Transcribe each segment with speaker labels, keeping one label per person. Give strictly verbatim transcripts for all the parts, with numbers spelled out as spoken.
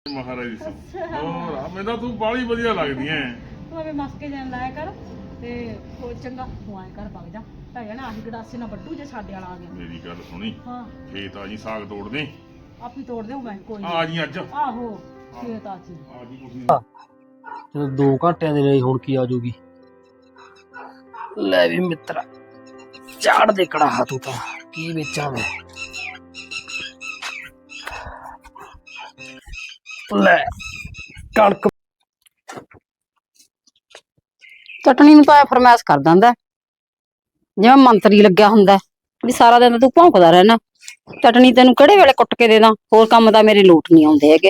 Speaker 1: ਮਹਾਰਾਜ ਜੀ ਹੋਰ ਆ ਮੈਨੂੰ ਤੂੰ ਬਾਲੀ ਵਧੀਆ ਲੱਗਦੀ ਐ।
Speaker 2: ਤੂੰ ਐਵੇਂ ਮਸਕੇ ਜਾਣ ਲਾਇਆ ਕਰ ਤੇ ਉਹ ਚੰਗਾ ਤੂੰ ਆਏ ਕਰ ਵਗ ਜਾ ਤਾਂ ਜਾਣਾ ਆਹੀ ਗੜਾਸੇ ਨਾਲ ਵੱਡੂ ਜੇ ਸਾਡੇ ਵਾਲਾ ਆ ਗਿਆ।
Speaker 1: ਮੇਰੀ ਗੱਲ ਸੁਣੀ
Speaker 2: ਹਾਂ
Speaker 1: ਖੇਤ ਆ ਜੀ ਸਾਗ ਤੋੜ ਦੇ
Speaker 2: ਆਪੀ ਤੋੜ ਦੇਉ ਮੈਂ ਕੋਈ
Speaker 1: ਆ ਜੀ ਅੱਜ
Speaker 2: ਆਹੋ ਖੇਤ ਆ ਜੀ
Speaker 1: ਆ ਜੀ ਕੁਛ
Speaker 3: ਚਲੋ ਦੋ ਘੰਟਿਆਂ ਦੇ ਲਈ ਹੁਣ ਕੀ ਆ ਜਾਊਗੀ। ਲੈ ਵੀ ਮਿੱਤਰਾ ਝਾੜ ਦੇ ਕੜਾਹਾ ਤੂੰ ਤਾਂ ਕੀ ਵੇਚਾਂ ਮੈਂ। ਲੈ ਕਣਕ
Speaker 4: ਚਟਣੀ ਨੂੰ ਤਾਂ ਫਰਮਾਇਸ਼ ਕਰ ਦਿੰਦਾ ਜਿਵੇਂ ਮੰਤਰੀ ਲੱਗਿਆ ਹੁੰਦਾ ਵੀ ਸਾਰਾ ਦਿਨ ਤੂੰ ਭੌਂਕਦਾ ਰਹਿਣਾ। ਚਟਣੀ ਤੈਨੂੰ ਕਿਹੜੇ ਵੇਲੇ ਕੁੱਟ ਕੇ ਦੇ ਦਾਂ, ਹੋਰ ਕੰਮ ਤਾਂ ਮੇਰੇ ਲੋਟ ਨਹੀਂ ਆਉਂਦੇ ਹੈਗੇ।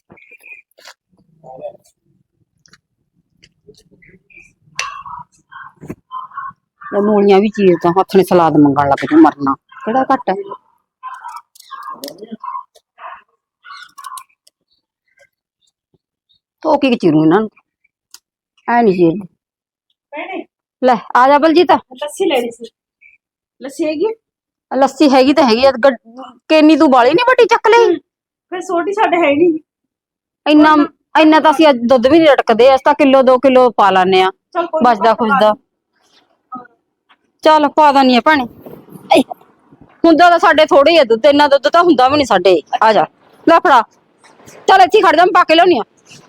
Speaker 4: ਮੂਲੀਆਂ ਵੀ ਚੀਰ ਤਾਂ ਹੱਥ ਨੇ ਸਲਾਦ ਮੰਗਣ ਲੱਗ ਜੂ, ਮਰਨਾ ਕਿਹੜਾ ਘੱਟ ਹੈ। ਧੋ ਕੇ ਚੀਰੂ ਇਹਨਾਂ ਨੂੰ, ਐ ਨੀ ਚੀਰਦੀ। ਲੈ ਆ ਜਾ ਬਲਜੀਤ,
Speaker 2: ਲੱਸੀ ਲੈਣੀ ਸੀ। ਲੱਸੀ ਹੈਗੀ
Speaker 4: ਲੱਸੀ ਹੈਗੀ ਤਾਂ ਹੈਗੀ ਆ, ਕੇਨੀ ਤੂੰ ਬਾਲੀ ਨੀ ਵੱਡੀ ਚੱਕ ਲਈ।
Speaker 2: ਫਿਰ ਛੋਟੀ ਸਾਡੇ ਹੈ ਨਹੀਂ
Speaker 4: ਇੰਨਾ ਇੰਨਾ ਤਾਂ ਅਸੀਂ ਅੱਜ ਦੁੱਧ ਵੀ ਨਹੀਂ ਰਟਕਦੇ, ਅਸੀਂ ਤਾਂ ਕਿਲੋ ਦੋ ਕਿਲੋ ਪਾ ਲਾਨੇ ਆ ਬਚਦਾ ਖੁਸ਼ਦਾ। ਚੱਲ ਪਾ ਦਾਨੀ ਆ ਭੈਣੇ, ਹੁੰਦਾ ਤਾਂ ਸਾਡੇ ਥੋੜੇ ਹੀ ਆ ਦੁੱਧ, ਇੰਨਾ ਦੁੱਧ ਤਾਂ ਹੁੰਦਾ ਵੀ ਨੀ ਸਾਡੇ। ਆ ਜਾ ਲੈ ਫੜਾ, ਚੱਲ ਇੱਥੇ ਖੜ ਜਾ, ਮੈਂ ਪਾ ਕੇ ਲਿਆਉਣੀ ਆ।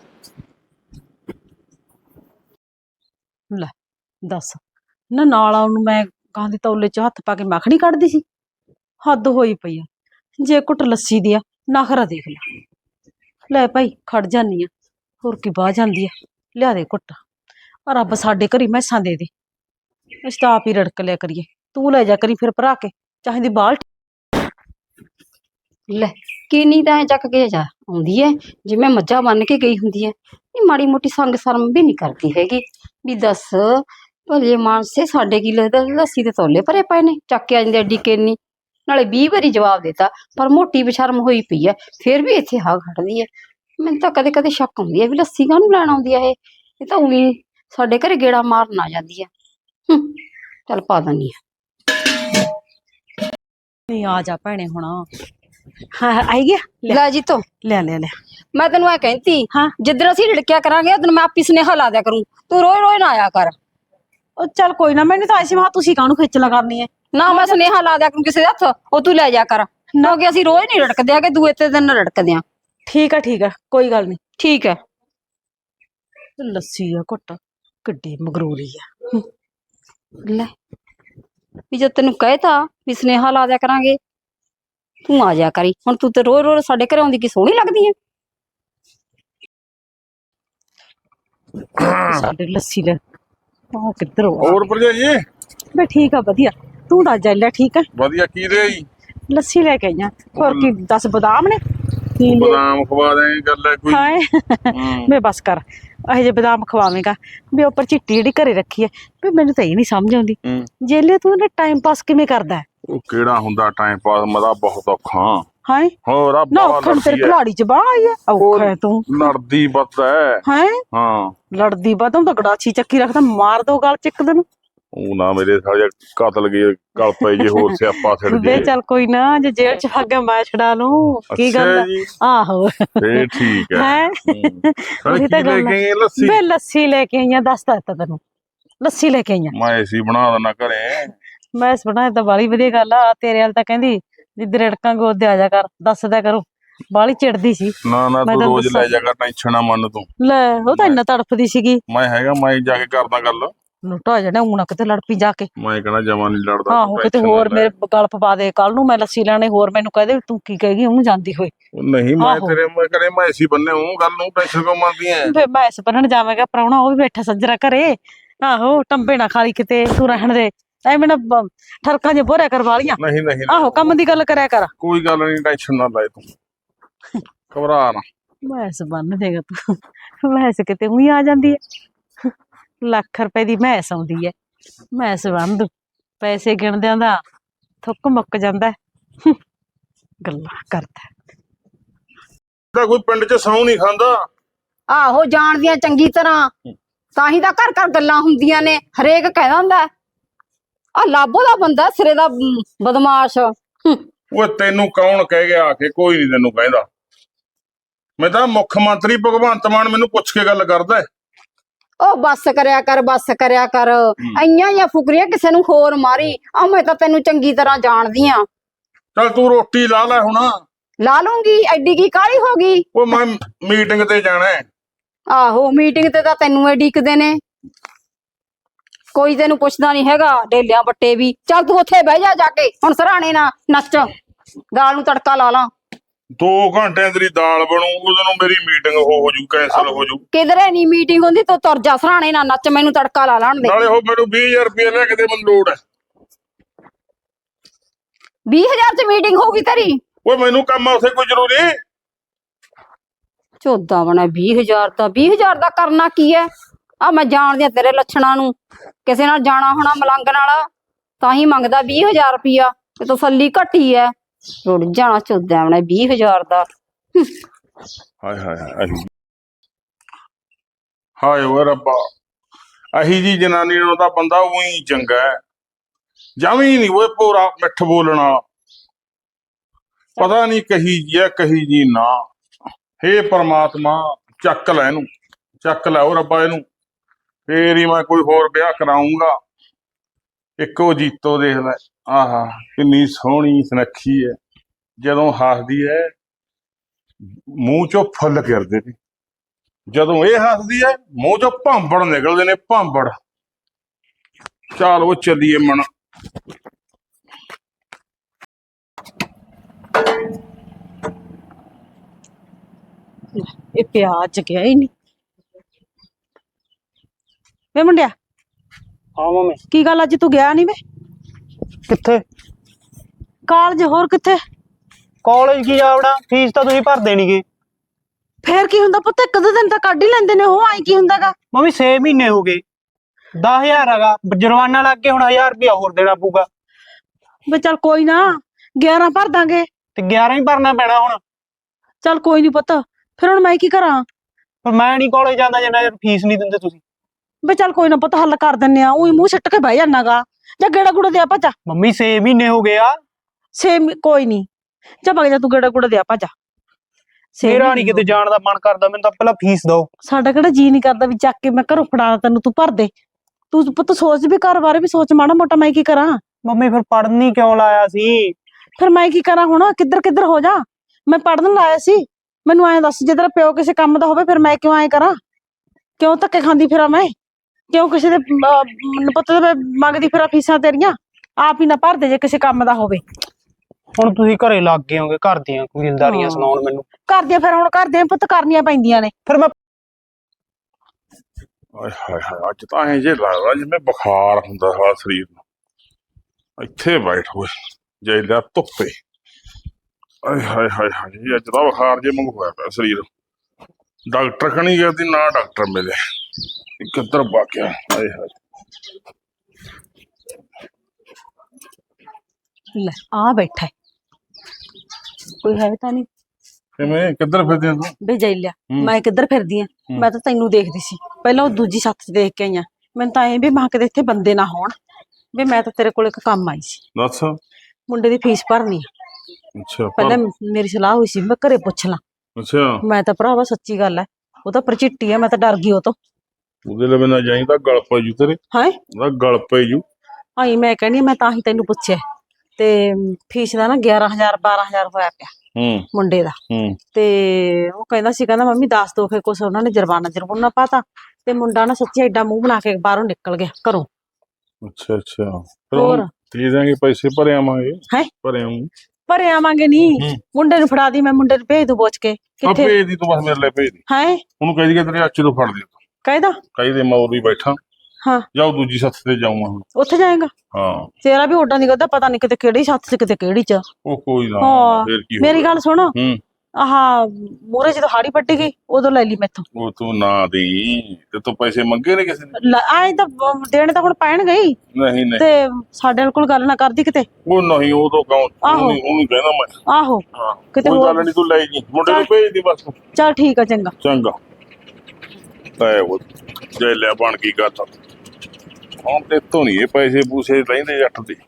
Speaker 2: ਲੈ ਦੱਸ ਨਾ, ਨਾਲ ਉਹਨੂੰ ਮੈਂ ਗਾਂ ਦੀ ਤੌਲੇ ਚ ਹੱਥ ਪਾ ਕੇ ਮੱਖਣੀ ਕੱਢਦੀ ਸੀ। ਹੱਦ ਹੋਈ ਪਈ ਆ, ਜੇ ਘੁੱਟ ਲੱਸੀ ਦੀ ਆ ਨਖਰਾ ਦੇਖ ਲੈ। ਲੈ ਭਾਈ ਖੜ ਜਾਨੀ ਆ, ਹੋਰ ਕੀ ਬਾਹ ਜਾਂਦੀ ਆ, ਲਿਆ ਦੇ ਘੁੱਟ। ਆ ਰੱਬ ਸਾਡੇ ਘਰੀ ਮੈਸਾਂ ਦੇ ਦੇ, ਅਸੀਂ ਤਾਂ ਆਪ ਹੀ ਰੜਕ ਲਿਆ ਕਰੀਏ। ਤੂੰ ਲੈ ਜਾ ਕਰੀ ਫਿਰ ਭਰਾ ਕੇ, ਚਾਹੀਦੀ ਬਾਲ।
Speaker 4: ਲੈ ਕਿੰਨੀ ਤਾਂ ਐ ਚੱਕ ਕੇ ਜਾ ਆਉਂਦੀ ਐ ਜਿਵੇਂ ਮੱਝਾਂ ਬੰਨ ਕੇ ਗਈ ਹੁੰਦੀ ਐ। ਇਹ ਮਾੜੀ ਮੋਟੀ ਸੰਗ ਸ਼ਰਮ ਵੀ ਨਹੀਂ ਕਰਦੀ ਹੈਗੀ ਵੀ ਦੱਸ ਭਲੇ ਮਾਨਸੇ ਸਾਡੇ ਕਿਲੋ ਦਾ ਲੱਸੀ ਦੇ ਤੌਲੇ ਭਰੇ ਪਏ ਨੇ, ਚੱਕ ਕੇ ਆ ਜਾਂਦੇ ਐਡੀ ਕੇਨੀ। ਨਾਲੇ ਵੀਹ ਵਾਰੀ ਜਵਾਬ ਦਿੱਤਾ ਪਰ ਮੋਟੀ ਬੇਸ਼ਰਮ ਹੋਈ ਪਈ ਐ, ਫਿਰ ਵੀ ਇੱਥੇ ਹਾਂ ਖੜਦੀ ਐ। ਮੈਨੂੰ ਤਾਂ ਕਦੇ ਕਦੇ ਸ਼ੱਕ ਹੁੰਦੀ ਐ ਵੀ ਲੱਸੀ ਕਾਹਨੂੰ ਲੈਣ ਆਉਂਦੀ ਐ ਇਹ ਇਹ ਤਾਂ ਉਹੀ ਸਾਡੇ ਘਰੇ ਗੇੜਾ ਮਾਰਨ ਆ ਜਾਂਦੀ ਐ। ਹੂੰ ਚੱਲ ਪਾ ਦਿੰਦੀ ਆ।
Speaker 2: ਨਹੀਂ ਆ ਜਾ ਭੈਣੇ ਹੁਣ। ਹਾਂ ਆਈ ਗਿਆ,
Speaker 4: ਲੈ ਜੀ ਤੋ
Speaker 2: ਲੈ ਲੈ ਲੈ।
Speaker 4: ਮੈਂ ਤੈਨੂੰ ਐ ਕਹਿੰਦੀ
Speaker 2: ਹਾਂ
Speaker 4: ਜਿੱਦਣ ਅਸੀਂ ੜਕਿਆ ਕਰਾਂਗੇ ਉਦੋਂ ਮੈਂ ਆਪੀ ਸੁਨੇਹਾ ਲਾ ਦਿਆ ਕਰੂੰ, ਤੂੰ ਰੋਜ਼ ਰੋਜ਼ ਨਾ ਆਇਆ ਕਰ।
Speaker 2: ਉਹ ਚੱਲ ਕੋਈ ਨਾ, ਮੈਨੂੰ ਤਾਂ ਐਸੀ ਮਾ ਤੁਸੀਂ ਕਾਹਨੂੰ ਖੇਚਲਾ ਕਰਨੀ ਹੈ।
Speaker 4: ਨਾ ਮੈਂ ਸੁਨੇਹਾ ਲਾ ਦਿਆ ਕਰੂੰ ਕਿਸੇ ਦੇ ਹੱਥ, ਉਹ ਤੂੰ ਲੈ ਜਾ ਕਰ। ਨਾ ਕਿ ਅਸੀਂ ਰੋਜ਼ ਨਹੀਂ ਰੜਕਦੇ ਆ ਕਿ ਦੂਏ ਤੇ ਦਿਨ ਰੜਕਦੇ ਆ।
Speaker 2: ਠੀਕ ਆ ਠੀਕ ਆ, ਕੋਈ ਗੱਲ ਨਹੀਂ।
Speaker 4: ਠੀਕ ਹੈ।
Speaker 2: ਲੱਸੀ ਆ ਘੁੱਟ, ਕਿੱਡੀ ਮਗਰੂਰੀ ਆ।
Speaker 4: ਲੈ ਵੀ ਜਦ ਤੈਨੂੰ ਕਹਿਤਾ ਵੀ ਸੁਨੇਹਾ ਲਾ ਦਿਆ ਕਰਾਂਗੇ ਤੂੰ ਆ ਜਾ ਕਰੀ। ਹੁਣ ਤੂੰ ਤੇ ਰੋਜ਼ ਰੋਜ਼ ਸਾਡੇ ਘਰੇ ਆਉਂਦੀ ਕੀ ਸੋਹਣੀ ਲੱਗਦੀ ਹੈ।
Speaker 2: ਸਾਡੇ ਲੱਸੀ ਲੈ ਆ ਕਿੱਧਰ ਹੋ
Speaker 1: ਹੋਰ ਭਰਜਾਈ
Speaker 2: ਬੇ। ਠੀਕ ਆ ਵਧੀਆ, ਤੂੰ ਦੱਸ ਜਾ ਲੈ। ਠੀਕ ਆ
Speaker 1: ਵਧੀਆ ਕੀ ਦੇ ਆਈ
Speaker 2: ਲੱਸੀ ਲੈ ਕੇ ਆਈਆਂ। ਹੋਰ ਕੀ ਦਸ ਬਦਾਮ ਨੇ ਕੀ ਲੈ।
Speaker 1: ਬਦਾਮ ਖਵਾ ਦੇ, ਗੱਲ ਹੈ ਕੋਈ।
Speaker 2: ਹਾਏ ਮੈਂ ਬਸ ਕਰ, ਇਹ ਜੇ ਬਦਾਮ ਖਵਾਵੇਂਗਾ ਵੀ ਉੱਪਰ ਚਿੱਟੀ ਜਿਹੜੀ ਘਰੇ ਰੱਖੀ ਹੈ ਵੀ ਮੈਨੂੰ ਤਾਂ ਇਹ ਨਹੀਂ ਸਮਝ ਆਉਂਦੀ ਜੇਲੇ ਤੂੰ ਨਾ ਟਾਈਮ ਪਾਸ ਕਿਵੇਂ ਕਰਦਾ।
Speaker 1: ਉਹ ਕਿਹੜਾ ਹੁੰਦਾ ਟਾਈਮ ਪਾਸ, ਮਦਾ ਬਹੁਤ ਔਖਾ।
Speaker 2: ਹਾਏ
Speaker 1: ਹੋਰ ਆ
Speaker 2: ਨਾ ਔਖਾ ਤੇਰੇ ਭਲਾੜੀ ਚ ਬਾਹ ਆਈ ਹੈ, ਔਖਾ ਹੈ ਤੂੰ।
Speaker 1: ਲੜਦੀ ਬੱਤ ਹੈ।
Speaker 2: ਹੈਂ
Speaker 1: ਹਾਂ
Speaker 2: ਲੜਦੀ ਬੱਤ, ਤੂੰ ਤਾਂ ਗੜਾਚੀ ਚੱਕੀ ਰੱਖਦਾ, ਮਾਰ ਦੋ ਗਲ ਚ ਇੱਕ ਦਿਨ।
Speaker 1: ਉਹ ਨਾ ਮੇਰੇ ਸਾਲੇ ਕਤਲ ਗਏ ਗਲ ਪਏ ਜੇ, ਹੋਰ ਸਿਆਪਾ ਛਿੜ
Speaker 2: ਵੇ
Speaker 1: ਜੇ।
Speaker 2: ਚੱਲ ਕੋਈ ਨਾ, ਜੇ ਜੇਲ੍ਹ ਚ ਫੱਗ ਗਿਆ ਮੈਂ ਛਡਾ ਲੂੰ, ਕੀ ਗੱਲ ਆ। ਆਹੋ
Speaker 1: ਫੇਰ ਠੀਕ ਹੈ।
Speaker 2: ਹੈ
Speaker 1: ਉਹੀ ਤਾਂ ਗੱਲ ਹੈ। ਲੱਸੀ
Speaker 2: ਵੇ ਲੱਸੀ ਲੈ ਕੇ ਆਈਆਂ, ਦੱਸਦਾ ਦਿੱਤਾ ਤੈਨੂੰ, ਲੱਸੀ ਲੈ ਕੇ ਆਈਆਂ।
Speaker 1: ਮੈਂ ਏਸੀ ਬਣਾ ਦੇਣਾ ਘਰੇ।
Speaker 2: ਮੈਂ ਬਣਾਇਆ ਤਾਂ ਬਾਲੀ ਵਧੀਆ ਗੱਲ ਆ, ਤੇਰੇ ਵਾਲ ਤਾਂ ਕਹਿੰਦੀ ਜਿੱਦ ਰੜਕਾਂਗੇ ਉਹਦੇ ਆ ਜਾ ਕਰ, ਦੱਸਦਾ ਕਰੋ। ਬਾਲੀ ਚਿੜਦੀ ਸੀ।
Speaker 1: ਨਾ ਨਾ ਤੂੰ ਰੋਜ਼ ਲੈ ਜਾ ਕਰ, ਟੈਨਸ਼ਨ ਨਾ ਮੰਨ ਤੂੰ।
Speaker 2: ਲੈ ਉਹ ਤਾਂ ਇੰਨਾ ਤੜਫਦੀ ਸੀਗੀ।
Speaker 1: ਮੈਂ ਹੈਗਾ, ਮੈਂ ਜਾ ਕੇ ਕਰਦਾ ਗੱਲ।
Speaker 2: ਲੁੱਟਾ ਜਾਣਾ ਊਂ ਨਾ ਕਿਤੇ ਲੜ ਪਈ ਜਾ ਕੇ।
Speaker 1: ਮੈਂ ਕਹਿਣਾ ਜਮਾ ਨੀ ਲੜਦਾ।
Speaker 2: ਆਹੋ ਕਿਤੇ ਹੋਰ ਮੇਰੇ ਗਲ ਪਵਾ ਦੇ ਕੱਲ ਨੂੰ, ਮੈਂ ਲੱਸੀ ਲੈਣੇ ਹੋਰ ਮੈਨੂੰ ਕਹਦੇ ਤੂੰ ਕੀ ਕਹੇਗੀ ਉਹਨੂੰ ਜਾਂਦੀ ਹੋਈ।
Speaker 1: ਨਹੀਂ ਮੈਂ ਤੇਰੇ ਮੈਂ ਕਰੇ ਮੈਂ ਏਸੀ ਬੰਨੇ ਹੂੰ, ਗੱਲ ਨੂੰ ਟੈਨਸ਼ਨ ਕਿਉਂ ਮੰਨਦੀ ਐ।
Speaker 2: ਫੇਰ ਮੈਂ ਇਸ ਬੰਨਣ ਜਾਵੇਂਗਾ ਪ੍ਰਾਹੁਣਾ, ਉਹ ਵੀ ਬੈਠਾ ਸੱਜਰਾ ਘਰੇ। ਆਹੋ ਟੰਬੇ ਨਾ ਖਾਲੀ ਕਿਤੇ, ਤੂੰ ਰਹਿਣ ਦੇ ਐਵੇਂ ਨਾ ਠਰਕਾਂ ਜੇ ਬੋਰਿਆ ਕਰ ਵਾਲੀਆਂ।
Speaker 1: ਨਹੀਂ ਨਹੀਂ
Speaker 2: ਆਹੋ ਕੰਮ ਦੀ ਗੱਲ ਕਰਿਆ ਕਰ।
Speaker 1: ਕੋਈ ਗੱਲ ਨਹੀਂ, ਟੈਨਸ਼ਨ ਨਾ ਲੈ ਤੂੰ, ਘਬਰਾ ਨਾ।
Speaker 2: ਮੈਸ ਬੰਨ ਦੇਗਾ ਤੂੰ, ਮੈਸ ਕਿਤੇ ਉਹੀ ਆ ਜਾਂਦੀ ਹੈ। ਲੱਖ ਰੁਪਏ ਦੀ ਮੈਸ ਆਉਂਦੀ ਹੈ, ਮੈਸ ਬੰਨ ਦੂ, ਪੈਸੇ ਗਿਣਦਿਆਂ ਦਾ ਥੁੱਕ ਮੁੱਕ ਜਾਂਦਾ। ਗੱਲਾਂ ਕਰਦਾ
Speaker 1: ਤਾਂ ਕੋਈ ਪਿੰਡ ਚ ਸਹੁੰ ਨਹੀਂ ਖਾਂਦਾ।
Speaker 4: ਆਹੋ ਜਾਣਦੀਆਂ ਚੰਗੀ ਤਰ੍ਹਾਂ, ਤਾਂ ਹੀ ਤਾਂ ਘਰ ਘਰ ਗੱਲਾਂ ਹੁੰਦੀਆਂ ਨੇ। ਹਰੇਕ ਕਹਿੰਦਾ ਹੁੰਦਾ ਆ ਲਾਬੋ ਦਾ ਬੰਦਾ ਸਿਰੇ ਦਾ ਬਦਮਾਸ਼।
Speaker 1: ਓਏ ਤੈਨੂੰ ਕੌਣ ਕਹਿ ਗਿਆ ਆ ਕੇ, ਕੋਈ ਨਹੀਂ ਤੈਨੂੰ ਕਹਿੰਦਾ। ਮੈਂ ਤਾਂ ਮੁੱਖ ਮੰਤਰੀ ਭਗਵੰਤ ਮਾਨ ਮੈਨੂੰ ਪੁੱਛ ਕੇ ਗੱਲ ਕਰਦਾ ਹੈ।
Speaker 4: ਉਹ ਬੱਸ ਕਰਿਆ ਕਰ ਬੱਸ ਕਰਿਆ ਕਰ ਆਈਆਂ ਜਾਂ ਫੁਕਰੀਆਂ ਕਿਸੇ ਨੂੰ ਹੋਰ ਮਾਰੀ ਆ ਮੈਂ ਤਾਂ ਤੈਨੂੰ ਚੰਗੀ ਤਰ੍ਹਾਂ ਜਾਣਦੀ ਆ।
Speaker 1: ਚੱਲ ਤੂੰ ਰੋਟੀ ਲਾ ਲੈ ਹੁਣ।
Speaker 4: ਲਾ ਲੂੰਗੀ ਐਡੀ ਕੀ ਕਾਹਲੀ ਹੋ ਗਈ।
Speaker 1: ਉਹ ਮੈਂ ਮੀਟਿੰਗ ਤੇ ਜਾਣਾ ਹੈ।
Speaker 4: ਆਹੋ ਮੀਟਿੰਗ ਤੇ ਤਾਂ ਤੈਨੂੰ ਡੀਕਦੇ ਨੇ ਕੋਈ ਤੈਨੂੰ ਪੁੱਛਦਾ ਨਹੀਂ ਹੈਗਾ ਢੇਲਿਆਂ ਬੱਟੇ ਵੀ। ਚੱਲ ਤੂੰ ਉੱਥੇ ਬਹਿ ਜਾ ਜਾ ਕੇ ਹੁਣ ਸਰਾਣੇ ਨਾ ਨੱਚ ਦਾਲ ਨੂੰ ਤੜਕਾ ਲਾ ਲਾ।
Speaker 1: ਦੋ ਘੰਟਿਆਂ ਤੇਰੀ ਦਾਲ ਬਣੂ ਉਦੋਂ ਨੂੰ ਮੇਰੀ ਮੀਟਿੰਗ ਹੋ ਹੋ ਜੂ ਕੈਂਸਲ ਹੋ ਜੂ।
Speaker 4: ਕਿਧਰੇ ਨਹੀਂ ਮੀਟਿੰਗ ਹੁੰਦੀ ਤੂੰ ਤੁਰ ਜਾ ਸਰਾਣੇ ਨਾ ਨੱਚ ਮੈਨੂੰ ਤੜਕਾ ਲਾ ਲੈਣ ਦੇ।
Speaker 1: ਨਾਲੇ ਉਹ ਮੈਨੂੰ ਵੀਹ ਹਜ਼ਾਰ ਰੁਪਏ ਲੈ ਕੇ ਦੇ ਮੈਨੂੰ ਲੋੜ ਹੈ।
Speaker 4: ਵੀਹ ਹਜ਼ਾਰ ਚ ਮੀਟਿੰਗ ਹੋਊਗੀ ਤੇਰੀ।
Speaker 1: ਓਏ ਮੈਨੂੰ ਕੰਮ ਆ ਉੱਥੇ ਕੋਈ ਜ਼ਰੂਰੀ।
Speaker 4: ਚੌਦਾਂ ਬਣਾ ਵੀਹ ਹਜ਼ਾਰ ਦਾ ਵੀਹ ਹਜ਼ਾਰ ਦਾ ਕਰਨਾ ਕੀ ਹੈ। ਆ ਮੈਂ ਜਾਣਦੀ ਆ ਤੇਰੇ ਲੱਛਣਾਂ ਨੂੰ ਕਿਸੇ ਨਾਲ ਜਾਣਾ ਹੋਣਾ ਮਲੰਗ ਨਾਲ ਤਾਂ ਹੀ ਮੰਗਦਾ ਵੀਹ ਹਜ਼ਾਰ ਰੁਪਇਆ ਤੇ ਤਸੱਲੀ ਘਟੀ ਹੈ। ਰੁੜ ਜਾਣਾ ਚੌਦਾਂ ਬਣਾ ਵੀਹ ਹਜ਼ਾਰ ਦਾ।
Speaker 1: ਹਾਏ ਹਾਏ ਹਾਏ ਹਾਏ ਓਏ ਰੱਬਾ ਅਹੀ ਜੀ ਜਨਾਨੀ ਨੂੰ ਤਾਂ ਬੰਦਾ ਉਹੀ ਚੰਗਾ ਹੈ ਜਮੀ ਨਹੀਂ ਓਏ ਪੂਰਾ ਮਿੱਠ ਬੋਲਣਾ ਪਤਾ ਨਹੀਂ ਕਹੀ ਜੀ ਹੈ ਕਹੀ ਜੀ ਨਾ। ਹੇ ਪਰਮਾਤਮਾ ਚੱਕ ਲੈ ਇਹਨੂੰ ਚੱਕ ਲੈ ਓ ਰੱਬਾ ਇਹਨੂੰ ਫੇਰ ਹੀ ਮੈਂ ਕੋਈ ਹੋਰ ਵਿਆਹ ਕਰਾਉਂਗਾ। ਇੱਕੋ ਜੀਤੋ ਦੇਖ ਲੈ ਆਹਾ ਕਿੰਨੀ ਸੋਹਣੀ ਸੁਨੱਖੀ ਹੈ ਜਦੋਂ ਹੱਸਦੀ ਹੈ ਮੂੰਹ ਚੋਂ ਫੁੱਲ ਗਿਰਦੇ ਨੇ ਜਦੋਂ ਇਹ ਹੱਸਦੀ ਹੈ ਮੂੰਹ ਚੋਂ ਭਾਂਬੜ ਨਿਕਲਦੇ ਨੇ ਭਾਂਬੜ। ਚੱਲ ਉਹ ਚੱਲੀਏ ਮਨ।
Speaker 2: ਇਹ ਪਿਆਜ ਗਿਆ ਹੀ ਨਹੀਂ ਵੇ ਮੁੰਡਿਆ।
Speaker 3: ਹਾਂ ਮੰਮੀ
Speaker 2: ਕੀ ਗੱਲ ਅੱਜ ਤੂੰ ਗਿਆ ਨਹੀਂ ਵੇ
Speaker 3: ਕਿੱਥੇ
Speaker 2: ਕਾਲਜ ਹੋਰ ਕਿੱਥੇ।
Speaker 3: ਕਾਲਜ ਕੀ ਜਾਵੜਾ ਫੀਸ ਤਾਂ ਤੁਸੀਂ ਭਰ ਦੇਣੀਗੇ।
Speaker 2: ਫੇਰ ਕੀ ਹੁੰਦਾ ਪੁੱਤ ਇੱਕ ਦੋ ਦਿਨ ਤਾਂ ਕੱਢ ਹੀ ਲੈਂਦੇ ਨੇ ਉਹ ਆਈ ਕੀ ਹੁੰਦਾਗਾ।
Speaker 3: ਮੰਮੀ ਛੇ ਮਹੀਨੇ ਹੋ ਗਏ ਦਸ ਹਜ਼ਾਰ ਹੈਗਾ ਜੁਰਮਾਨਾ ਲੱਗ ਕੇ ਹੁਣ ਹਜ਼ਾਰ ਰੁਪਇਆ ਹੋਰ ਦੇਣਾ ਪਊਗਾ।
Speaker 2: ਵੇ ਚੱਲ ਕੋਈ ਨਾ ਗਿਆਰਾਂ ਭਰ ਦਾਂਗੇ
Speaker 3: ਤੇ ਗਿਆਰਾਂ ਹੀ ਭਰਨਾ ਪੈਣਾ ਹੁਣ।
Speaker 2: ਚੱਲ ਕੋਈ ਨਹੀਂ ਪੁੱਤ ਫਿਰ ਹੁਣ ਮੈਂ ਕੀ ਕਰਾਂ।
Speaker 3: ਪਰ ਮੈਂ ਨਹੀਂ ਕਾਲਜ ਜਾਂਦਾ ਜਿੰਨਾ ਚਿਰ ਫੀਸ ਨਹੀਂ ਦਿੰਦੇ ਤੁਸੀਂ।
Speaker 2: ਵੇ ਚੱਲ ਕੋਈ ਨਾ ਪੁੱਤ ਹੱਲ ਕਰ ਦਿੰਨੇ ਆ ਉਹੀ ਮੂੰਹ ਸਿੱਟ ਕੇ ਬਹਿ ਜਾਣਾਗਾ ਜਾਂ ਗੇੜਾ ਗੁੜਾ ਦਿਆ ਭਾਜਾ।
Speaker 3: ਮੰਮੀ ਛੇ ਮਹੀਨੇ ਹੋ ਗਏ ਆ।
Speaker 2: ਛੇ ਕੋਈ ਨਹੀਂ ਜਾ ਭਗ ਜਾ ਤੂੰ ਗੇੜਾ ਗੁੜਾ ਦਿਆ ਭਾਜਾ।
Speaker 3: ਮੇਰਾ ਨਹੀਂ ਕਿਤੇ ਜਾਣ ਦਾ ਮਨ ਕਰਦਾ ਮੈਨੂੰ ਤਾਂ ਪਹਿਲਾਂ ਫੀਸ ਦਿਓ।
Speaker 2: ਸਾਡਾ ਕਿਹੜਾ ਜੀ ਨਹੀਂ ਕਰਦਾ ਵੀ ਚੱਕ ਕੇ ਮੈਂ ਘਰੋਂ ਫੜਾ ਤੈਨੂੰ ਤੂੰ ਭਰ ਦੇ। ਤੂੰ ਪੁੱਤ ਸੋਚ ਵੀ ਘਰ ਬਾਰੇ ਵੀ ਸੋਚ ਮਾੜਾ ਮੋਟਾ ਮੈਂ ਕੀ ਕਰਾਂ।
Speaker 3: ਮੰਮੀ ਫਿਰ ਪੜ੍ਹਨ ਹੀ ਕਿਉਂ ਲਾਇਆ ਸੀ।
Speaker 2: ਫਿਰ ਮੈਂ ਕੀ ਕਰਾਂ ਹੁਣ ਕਿੱਧਰ ਕਿੱਧਰ ਹੋ ਜਾ। ਮੈਂ ਪੜ੍ਹਨ ਲਾਇਆ ਸੀ ਮੈਨੂੰ ਐਂ ਦੱਸ ਜੇ ਤੇਰਾ ਪਿਓ ਕਿਸੇ ਕੰਮ ਦਾ ਹੋਵੇ ਫਿਰ ਮੈਂ ਕਿਉਂ ਐਂ ਕਰਾਂ ਕਿਉਂ ਧੱਕੇ ਖਾਂਦੀ ਫਿਰਾਂ ਮੈਂ ਕਿਉਂ ਕਿਸੇ ਦੇ ਪੁੱਤ ਦੇ ਮੰਗਦੀ ਫਿਰਾਂ ਫੀਸਾਂ ਤੇਰੀਆਂ ਆਪ ਹੀ ਨਾ ਭਰ ਦੇ ਜੇ ਕਿਸੇ ਕੰਮ ਦਾ ਹੋਵੇ।
Speaker 3: ਹੁਣ ਤੁਸੀਂ ਘਰੇ ਲੱਗ ਗਏ ਹੋਗੇ ਘਰ ਦੀਆਂ ਕਬੀਲਦਾਰੀਆਂ ਸੁਣਾਉਣ ਮੈਨੂੰ।
Speaker 2: ਘਰ ਦੀਆਂ ਫਿਰ ਹੁਣ ਘਰ ਦੀਆਂ ਪੁੱਤ ਕਰਨੀਆਂ ਪੈਂਦੀਆਂ ਨੇ।
Speaker 3: ਫਿਰ ਮੈਂ
Speaker 1: ਹਾਏ ਹਾਏ ਹਾਏ ਅੱਜ ਤਾਂ ਐਂ ਜੇ ਲੱਗਦਾ ਜਿਵੇਂ ਬੁਖਾਰ ਹੁੰਦਾ ਸਾਰਾ ਸਰੀਰ ਨੂੰ। ਇੱਥੇ ਬੈਠ ਹੋਏ ਜੇ ਲਿਆ ਧੁੱਪੇ। ਹਾਏ ਹਾਏ ਹਾਏ ਹਾਏ ਅੱਜ ਤਾਂ ਬੁਖਾਰ ਜੇ ਵਾਂਗੂ ਹੋਇਆ ਪਿਆ ਸਰੀਰ। ਡਾਕਟਰ ਕਣੀ ਗਿਆ ਤੇ ਨਾ ਡਾਕਟਰ ਮਿਲੇ ਕਿੱਧਰ ਬਾਕਿਆ। ਹਾਏ ਹਾਏ
Speaker 2: ਲੈ ਆ ਬੈਠਾ ਕੋਈ ਹੈ ਤਾਂ ਨਹੀਂ।
Speaker 1: ਕਿਵੇਂ ਕਿੱਧਰ ਫਿਰਦੀ ਆਂ ਤੂੰ।
Speaker 2: ਬੇ ਜਾਈ ਲਿਆ ਮੈਂ ਕਿੱਧਰ ਫਿਰਦੀ ਆ ਮੈਂ ਤਾਂ ਤੈਨੂੰ ਦੇਖਦੀ ਸੀ ਪਹਿਲਾਂ ਉਹ ਦੂਜੀ ਛੱਤ ਤੇ ਦੇਖ ਕੇ ਆਈਆਂ ਮੈਨੂੰ ਤਾਂ ਐਂ ਵੀ ਮਾਂ ਕਿਤੇ ਇੱਥੇ ਬੰਦੇ ਨਾ ਹੋਣ ਵੀ ਮੈਂ ਤਾਂ ਤੇਰੇ ਕੋਲ ਇੱਕ ਕੰਮ ਆਈ ਸੀ।
Speaker 1: ਦੱਸ।
Speaker 2: ਮੁੰਡੇ ਦੀ ਫੀਸ ਭਰਨੀ ਆ।
Speaker 1: ਅੱਛਾ
Speaker 2: ਪਹਿਲਾਂ ਮੇਰੀ ਸਲਾਹ ਹੋਈ ਸੀ ਮੈਂ ਘਰੇ ਪੁੱਛ ਲਾਂ।
Speaker 1: ਅੱਛਾ
Speaker 2: ਮੈਂ ਤਾਂ ਭਰਾਵਾ ਸੱਚੀ ਗੱਲ ਹੈ ਉਹ ਤਾਂ ਪ੍ਰਚਿੱਟੀ ਆ ਮੈਂ ਤਾਂ ਡਰ ਗਈ ਉਹ ਤੋਂ।
Speaker 1: ਉਹਦੇ ਲਈ ਨਾ ਜਾਈ ਤਾਂ ਗਲ ਪੈ ਜੂ ਤੇਰੇ।
Speaker 2: ਹਾਂ
Speaker 1: ਉਹਦਾ ਗਲ ਪੈ ਜੂ।
Speaker 2: ਆਈ ਮੈਂ ਕਹਿੰਦੀ ਮੈਂ ਤਾਂ ਹੀ ਤੈਨੂੰ ਪੁੱਛਿਆ ਤੇ ਫੀਸ ਦਾ ਨਾ ਗਿਆਰਾਂ ਹਜ਼ਾਰ ਬਾਰਾਂ ਹਜ਼ਾਰ ਹੋਇਆ ਪਿਆ
Speaker 1: ਹੂੰ
Speaker 2: ਮੁੰਡੇ ਦਾ।
Speaker 1: ਹੂੰ
Speaker 2: ਤੇ ਉਹ ਕਹਿੰਦਾ ਸੀ ਕਹਿੰਦਾ ਮੰਮੀ ਦੱਸ ਦੋ ਫਿਰ ਕੁਛ ਉਹਨਾਂ ਨੇ ਜੁਰਮਾਨਾ ਜੁਰਮਾਨਾ ਪਾਤਾ ਤੇ ਮੁੰਡਾ ਨਾ ਸੱਚੀ ਐਡਾ ਮੂੰਹ ਬਣਾ ਕੇ ਬਾਹਰੋਂ ਨਿਕਲ ਗਿਆ ਘਰੋਂ।
Speaker 1: ਅੱਛਾ ਅੱਛਾ ਫਿਰ
Speaker 2: ਹੋਰ
Speaker 1: ਹੁਣ ਦੇ ਦਾਂਗੇ ਪੈਸੇ ਭਰੇ ਆਵਾਂਗੇ।
Speaker 2: ਹੈਂ?
Speaker 1: ਭਰੇ ਆਵਾਂਗੇ
Speaker 2: ਭਰੇ ਆਵਾਂਗੇ ਨਹੀਂ
Speaker 1: ਹੂੰ।
Speaker 2: ਮੁੰਡੇ ਨੂੰ ਫੜਾ ਦੀ ਮੈਂ ਮੁੰਡੇ ਨੂੰ ਭੇਜ ਦੂ ਪੁੱਛ ਕੇ
Speaker 1: ਆ
Speaker 2: ਕਿੱਥੇ
Speaker 1: ਭੇਜ ਦੀ ਤੂੰ ਬਸ ਮੇਰੇ ਲਈ ਭੇਜ ਦੀ।
Speaker 2: ਹੈ
Speaker 1: ਉਹਨੂੰ ਕਹਿ ਦੀ ਤੇਰੇ ਅੱਛੇ ਤੋਂ ਫੜ ਦੇ।
Speaker 2: ਕਾਇਦਾ
Speaker 1: ਕਹੀ ਦੇ ਮੈਂ ਉਦੋਂ ਹੀ ਬੈਠਾ।
Speaker 2: ਹਾਂ
Speaker 1: ਜਾਓ ਦੂਜੀ ਸੱਤ ਤੇ ਜਾਊਂਗਾ ਹੁਣ।
Speaker 2: ਉੱਥੇ ਜਾਏਗਾ
Speaker 1: ਹਾਂ
Speaker 2: ਤੇਰਾ ਵੀ ਓਡਾ ਨਹੀਂ ਕਰਦਾ ਪਤਾ ਨਹੀਂ ਕਿਤੇ ਕਿਹੜੀ ਛੱਤ 'ਚ ਕਿਤੇ ਕਿਹੜੀ 'ਚ।
Speaker 1: ਉਹ ਕੋਈ ਨਾ
Speaker 2: ਹਾਂ
Speaker 1: ਫੇਰ ਕੀ
Speaker 2: ਮੇਰੀ ਗੱਲ ਸੁਣ
Speaker 1: ਹੂੰ
Speaker 2: ਆਹ ਮੂਹਰੇ ਜਦੋਂ ਹਾੜੀ ਪੱਟੀ ਗਈ ਉਦੋਂ ਲੈ ਲਈ ਮੈਥੋਂ।
Speaker 1: ਉਹ ਤੂੰ ਨਾ ਦੇਈ ਤੇ ਤੂੰ ਪੈਸੇ ਮੰਗੇ ਨੇ ਕਿਸੇ ਨੇ।
Speaker 2: ਆਏ ਤਾਂ ਦੇਣੇ ਤਾਂ ਹੁਣ ਪੈਣਗੇ ਹੀ
Speaker 1: ਨਹੀਂ ਨਹੀਂ
Speaker 2: ਤੇ ਸਾਡੇ ਕੋਲ ਗੱਲ ਨਾ ਕਰਦੀ ਕਿਤੇ।
Speaker 1: ਉਹ ਨਹੀਂ ਉਹ ਤੋਂ ਕਹੂੰ
Speaker 2: ਆਹੋ।
Speaker 1: ਉਹਨੂੰ ਉਹਨੂੰ ਕਹਿੰਦਾ ਮੈਂ।
Speaker 2: ਆਹੋ
Speaker 1: ਹਾਂ
Speaker 2: ਕਿਤੇ
Speaker 1: ਕੋਈ
Speaker 2: ਹੋਰ
Speaker 1: ਗੱਲ ਨਹੀਂ ਤੂੰ ਲੈ ਜੀ ਮੁੰਡੇ ਨੂੰ ਭੇਜ ਦੀ ਬਸ।
Speaker 2: ਚੱਲ ਠੀਕ ਆ ਚੰਗਾ
Speaker 1: ਚੰਗਾ ਐ ਉਹ ਜੇ ਲਿਆ ਬਣ ਗਈ ਗੱਲ ਹੁਣ ਤੇ ਤੋਂ ਨਹੀਂ ਇਹ ਪੈਸੇ ਪੂਸੇ ਲੈਂਦੇ ਜੱਟ ਦੇ।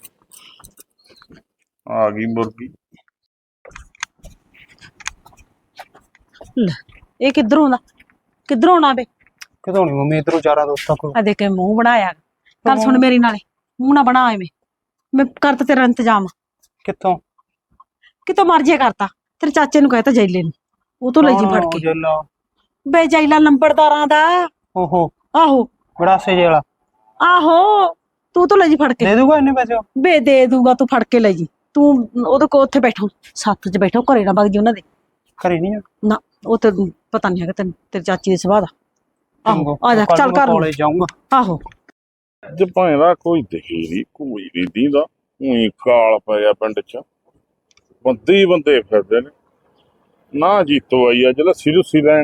Speaker 1: ਆ ਗਈ ਮੁਰਗੀ
Speaker 2: ਲੈ, ਇਹ ਕਿੱਧਰੋਂ ਦਾ ਕਿੱਧਰੋਂ ਆਉਣਾ ਵੇ?
Speaker 3: ਕਿਦੋਂ ਨਹੀਂ ਮੰਮੀ ਇਧਰੋਂ ਚਾਰਾਂ ਦੋਸਤਾਂ ਕੋਲ।
Speaker 2: ਆ ਦੇਖ ਕੇ ਮੂੰਹ ਬਣਾਇਆ। ਗੱਲ ਸੁਣ ਮੇਰੀ ਨਾਲੇ, ਮੂੰਹ ਨਾ ਬਣਾ ਐਵੇਂ। ਮੈਂ ਕਰਤਾ ਤੇਰਾ ਇੰਤਜ਼ਾਮ,
Speaker 3: ਕਿੱਥੋਂ?
Speaker 2: ਕਿਤੋਂ ਮਰਜੀ ਕਰਤਾ। ਤੇਰੇ ਚਾਚੇ ਨੂੰ ਕਹਿਤਾ ਜੈਲੇ ਨੂੰ, ਉਹ ਤੋਂ ਲੈ ਜੀ ਫੜ ਕੇ।
Speaker 3: ਜੈਲਾ?
Speaker 2: ਬੇ ਜੈਲਾ ਲੰਬੜਦਾਰਾਂ ਦਾ।
Speaker 3: ਓਹੋ,
Speaker 2: ਆਹੋ
Speaker 3: ਗੜਾਸੇ ਜੇ ਵਾਲਾ।
Speaker 2: ਆਹੋ, ਤੂੰ ਤੋਂ ਲੈ ਜੀ ਫੜ ਕੇ।
Speaker 3: ਦੇ ਦੂਗਾ ਇੰਨੇ ਪੈਸੇ?
Speaker 2: ਬੇ ਦੇ ਦੂਗਾ, ਤੂੰ ਫੜ ਕੇ ਲੈ ਜੀ। ਤੂੰ ਉਹਦੇ ਕੋਲ ਉੱਥੇ ਬੈਠੋ, ਸੱਤ ਚ ਬੈਠੋ, ਘਰੇ ਨਾ ਵਗ ਜੀ ਉਹਨਾਂ ਦੇ।
Speaker 3: ਘਰੇ ਨਹੀਂ ਆ?
Speaker 2: ਨਾ, ਉਹ ਤੇ ਪਤਾ ਨਹੀਂ ਹੈਗਾ ਤੈਨੂੰ, ਤੇਰੀ ਚਾਚੀ ਦੇ ਸੁਭਾਅ ਦਾ। ਆਹੋ ਆ ਜਾ, ਚੱਲ ਕਰ
Speaker 3: ਕਾਲਜ ਜਾਊਂਗਾ।
Speaker 2: ਆਹੋ
Speaker 1: ਅੱਜ ਭਾਵੇਂ ਕੋਈ ਦਿਖੀ ਨਹੀਂ, ਕੋਈ ਨਹੀਂ ਦੀਂਦਾ। ਉਹੀ ਕਾਲ ਪੈ ਗਿਆ ਪਿੰਡ ਚ, ਬੰਦੇ ਹੀ ਬੰਦੇ ਫਿਰਦੇ ਨੇ। ਨਾ ਜੀਤੋ ਆਈ ਅੱਜ ਲੱਸੀ ਲੁੱਸੀ ਲੈਣ,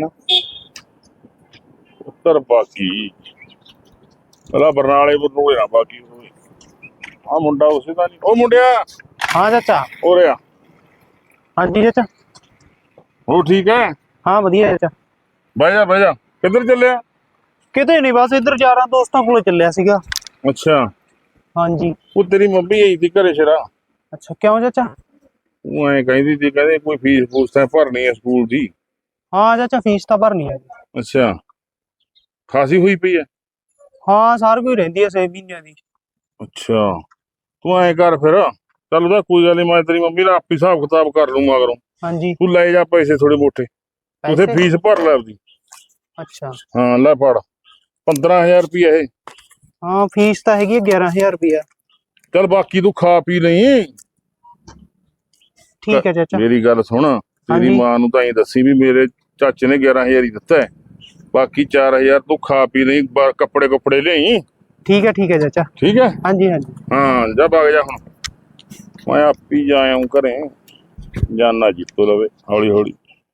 Speaker 1: ਉੱਤਰ ਬਾਕੀ ਪਹਿਲਾਂ ਬਰਨਾਲੇ ਬਰਨੂਲੇ ਨਾ ਬਾਕੀ ਹੋਏ। ਆ ਮੁੰਡਾ ਉਸੇ ਦਾ ਨਹੀਂ। ਉਹ ਮੁੰਡਿਆ
Speaker 3: ਹਾਂ ਚਾਚਾ।
Speaker 1: ਹੋ ਰਿਹਾ?
Speaker 3: ਹਾਂਜੀ ਚਾਚਾ।
Speaker 1: ਉਹ ਠੀਕ ਹੈ?
Speaker 3: ਹਾਂ ਵਧੀਆ ਚਾਚਾ।
Speaker 1: ਬਹਿ ਜਾ ਬਹਿ ਜਾ। ਕਿੱਧਰ ਚੱਲਿਆ?
Speaker 3: ਕਿਤੇ ਨਹੀਂ, ਬਸ ਇੱਧਰ ਯਾਰਾਂ ਦੋਸਤਾਂ ਕੋਲ ਚੱਲਿਆ ਸੀਗਾ।
Speaker 1: ਅੱਛਾ,
Speaker 3: ਹਾਂਜੀ।
Speaker 1: ਉਹ ਤੇਰੀ ਮੰਮੀ ਆਈ ਸੀ ਘਰੇ ਸ਼ਰਾ।
Speaker 3: ਅੱਛਾ, ਕਿਉਂ ਚਾਚਾ?
Speaker 1: ਉਹ ਐਂ ਕਹਿੰਦੀ ਸੀ, ਕਹਿੰਦੇ ਕੋਈ ਫੀਸ ਫੂਸ ਤਾਂ ਭਰਨੀ ਹੈ ਸਕੂਲ ਦੀ।
Speaker 3: ਹਾਂ ਚਾਚਾ, ਫੀਸ ਤਾਂ ਭਰਨੀ ਹੈ।
Speaker 1: ਅੱਛਾ, ਖਾਸੀ ਹੋਈ ਪਈ ਹੈ?
Speaker 3: ਹਾਂ, ਸਾਰ ਕੋਈ ਰਹਿੰਦੀ ਹੈ ਛੇ ਮਹੀਨਿਆਂ ਦੀ।
Speaker 1: ਅੱਛਾ, ਤੂੰ ਐਂ ਕਰ ਫਿਰ, ਚੱਲ ਉਹਦਾ ਕੋਈ ਗੱਲ ਨੀ, ਮੈਂ ਤੇਰੀ ਮੰਮੀ ਦਾ ਆਪੇ ਹਿਸਾਬ ਕਿਤਾਬ ਕਰ ਲੂੰ ਮਗਰੋਂ।
Speaker 3: ਹਾਂਜੀ।
Speaker 1: ਤੂੰ ਲੈ ਜਾ ਪੈਸੇ ਥੋੜੇ ਮੋਟੇ, ਉਥੇ ਫੀਸ ਭਰ ਲੈ ਆਪਦੀ।
Speaker 3: ਅੱਛਾ।
Speaker 1: ਹਾਂ ਲੈ ਫੜ, ਪੰਦਰਾਂ ਹਜ਼ਾਰ ਰੁਪਇਆ ਇਹ।
Speaker 3: ਹਾਂ, ਫੀਸ ਤਾਂ ਹੈਗੀ ਗਿਆਰਾਂ ਹਜ਼ਾਰ ਰੁਪਇਆ।
Speaker 1: ਚੱਲ ਬਾਕੀ ਤੂੰ ਖਾ ਪੀ ਲਈ।
Speaker 3: ਠੀਕ ਹੈ ਚਾਚਾ।
Speaker 1: ਮੇਰੀ ਗੱਲ ਸੁਣ, ਤੇਰੀ ਮਾਂ ਨੂੰ ਤਾਂ ਐਂ ਦੱਸੀ ਵੀ ਮੇਰੇ ਚਾਚੇ ਨੇ ਗਿਆਰਾਂ ਹਜ਼ਾਰ ਹੀ ਦਿੱਤਾ ਹੈ, ਬਾਕੀ ਚਾਰ ਹਜ਼ਾਰ ਤੂੰ ਖਾ ਪੀ ਲਈ, ਕੱਪੜੇ ਕੁੱਪੜੇ ਲਿਆਈ।
Speaker 3: ਠੀਕ ਹੈ ਠੀਕ ਹੈ ਚਾਚਾ।
Speaker 1: ਠੀਕ ਹੈ?
Speaker 3: ਹਾਂਜੀ ਹਾਂਜੀ।
Speaker 1: ਹਾਂ ਜਾ ਵਗ ਜਾ ਹੁਣ, ਮੈਂ ਆਪੀ ਜਾ ਆਊਂ ਘਰੇ, ਜਾਨਾ ਜੀਤੋ ਲਵੇ ਹੌਲੀ ਹੌਲੀ।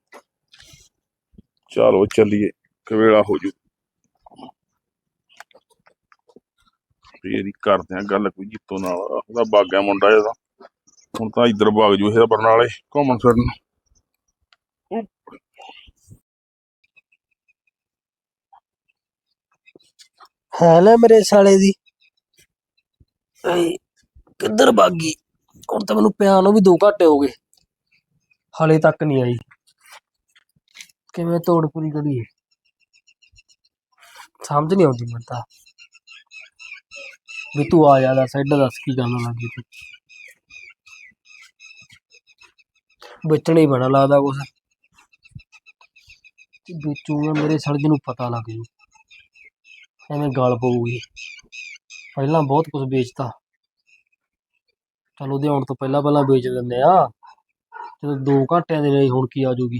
Speaker 1: ਚਲੋ ਚੱਲੀਏ, ਕਵੇਲਾ ਹੋ ਜੂ ਫੇਰ ਹੀ ਕਰਦੇ ਆ ਗੱਲ ਕੋਈ ਜੀਤੋ ਨਾਲ। ਉਹਦਾ ਬਾਗਿਆ ਮੁੰਡਾ ਇਹਦਾ, ਹੁਣ ਤਾਂ ਇੱਧਰ ਵਗ ਜੂ ਇਹ ਬਰਨਾਲੇ ਘੁੰਮਣ ਫਿਰਨ।
Speaker 5: ਹੈ ਨਾ ਮੇਰੇ ਸਾਲੇ ਦੀ ਕਿੱਧਰ ਭਾਗੀ? ਹੁਣ ਤਾਂ ਮੈਨੂੰ ਪਿਆ ਨੂੰ ਵੀ ਦੋ ਘੰਟੇ ਹੋ ਗਏ, ਹਾਲੇ ਤੱਕ ਨਹੀਂ ਆਈ। ਕਿਵੇਂ ਤੋੜ ਪੂਰੀ ਕਰੀਏ, ਸਮਝ ਨਹੀਂ ਆਉਂਦੀ ਮੈਨੂੰ ਤਾਂ। ਵੀ ਤੂੰ ਆ ਜਾ, ਦੱਸ ਇੱਧਰ ਦੱਸ ਕੀ ਕਰਨ ਲੱਗੀ ਤੂੰ? ਵੇਚਣਾ ਹੀ ਬਣਾ ਲੱਗਦਾ ਕੁਛ, ਵੇਚੂਗਾ ਮੇਰੇ ਸੜਕ ਨੂੰ ਪਤਾ ਲੱਗ ਜੂ, ਐਵੇਂ ਗਲ ਪਊਗੀ। ਪਹਿਲਾਂ ਬਹੁਤ ਕੁਝ ਵੇਚਤਾ, ਚਲ ਉਹਦੇ ਆਉਣ ਤੋਂ ਪਹਿਲਾਂ ਪਹਿਲਾਂ ਵੇਚ ਦਿੰਦੇ ਆ, ਜਦੋਂ ਦੋ ਘੰਟਿਆਂ ਦੇ ਲਈ ਹੁਣ ਕੀ ਆ ਜੂਗੀ।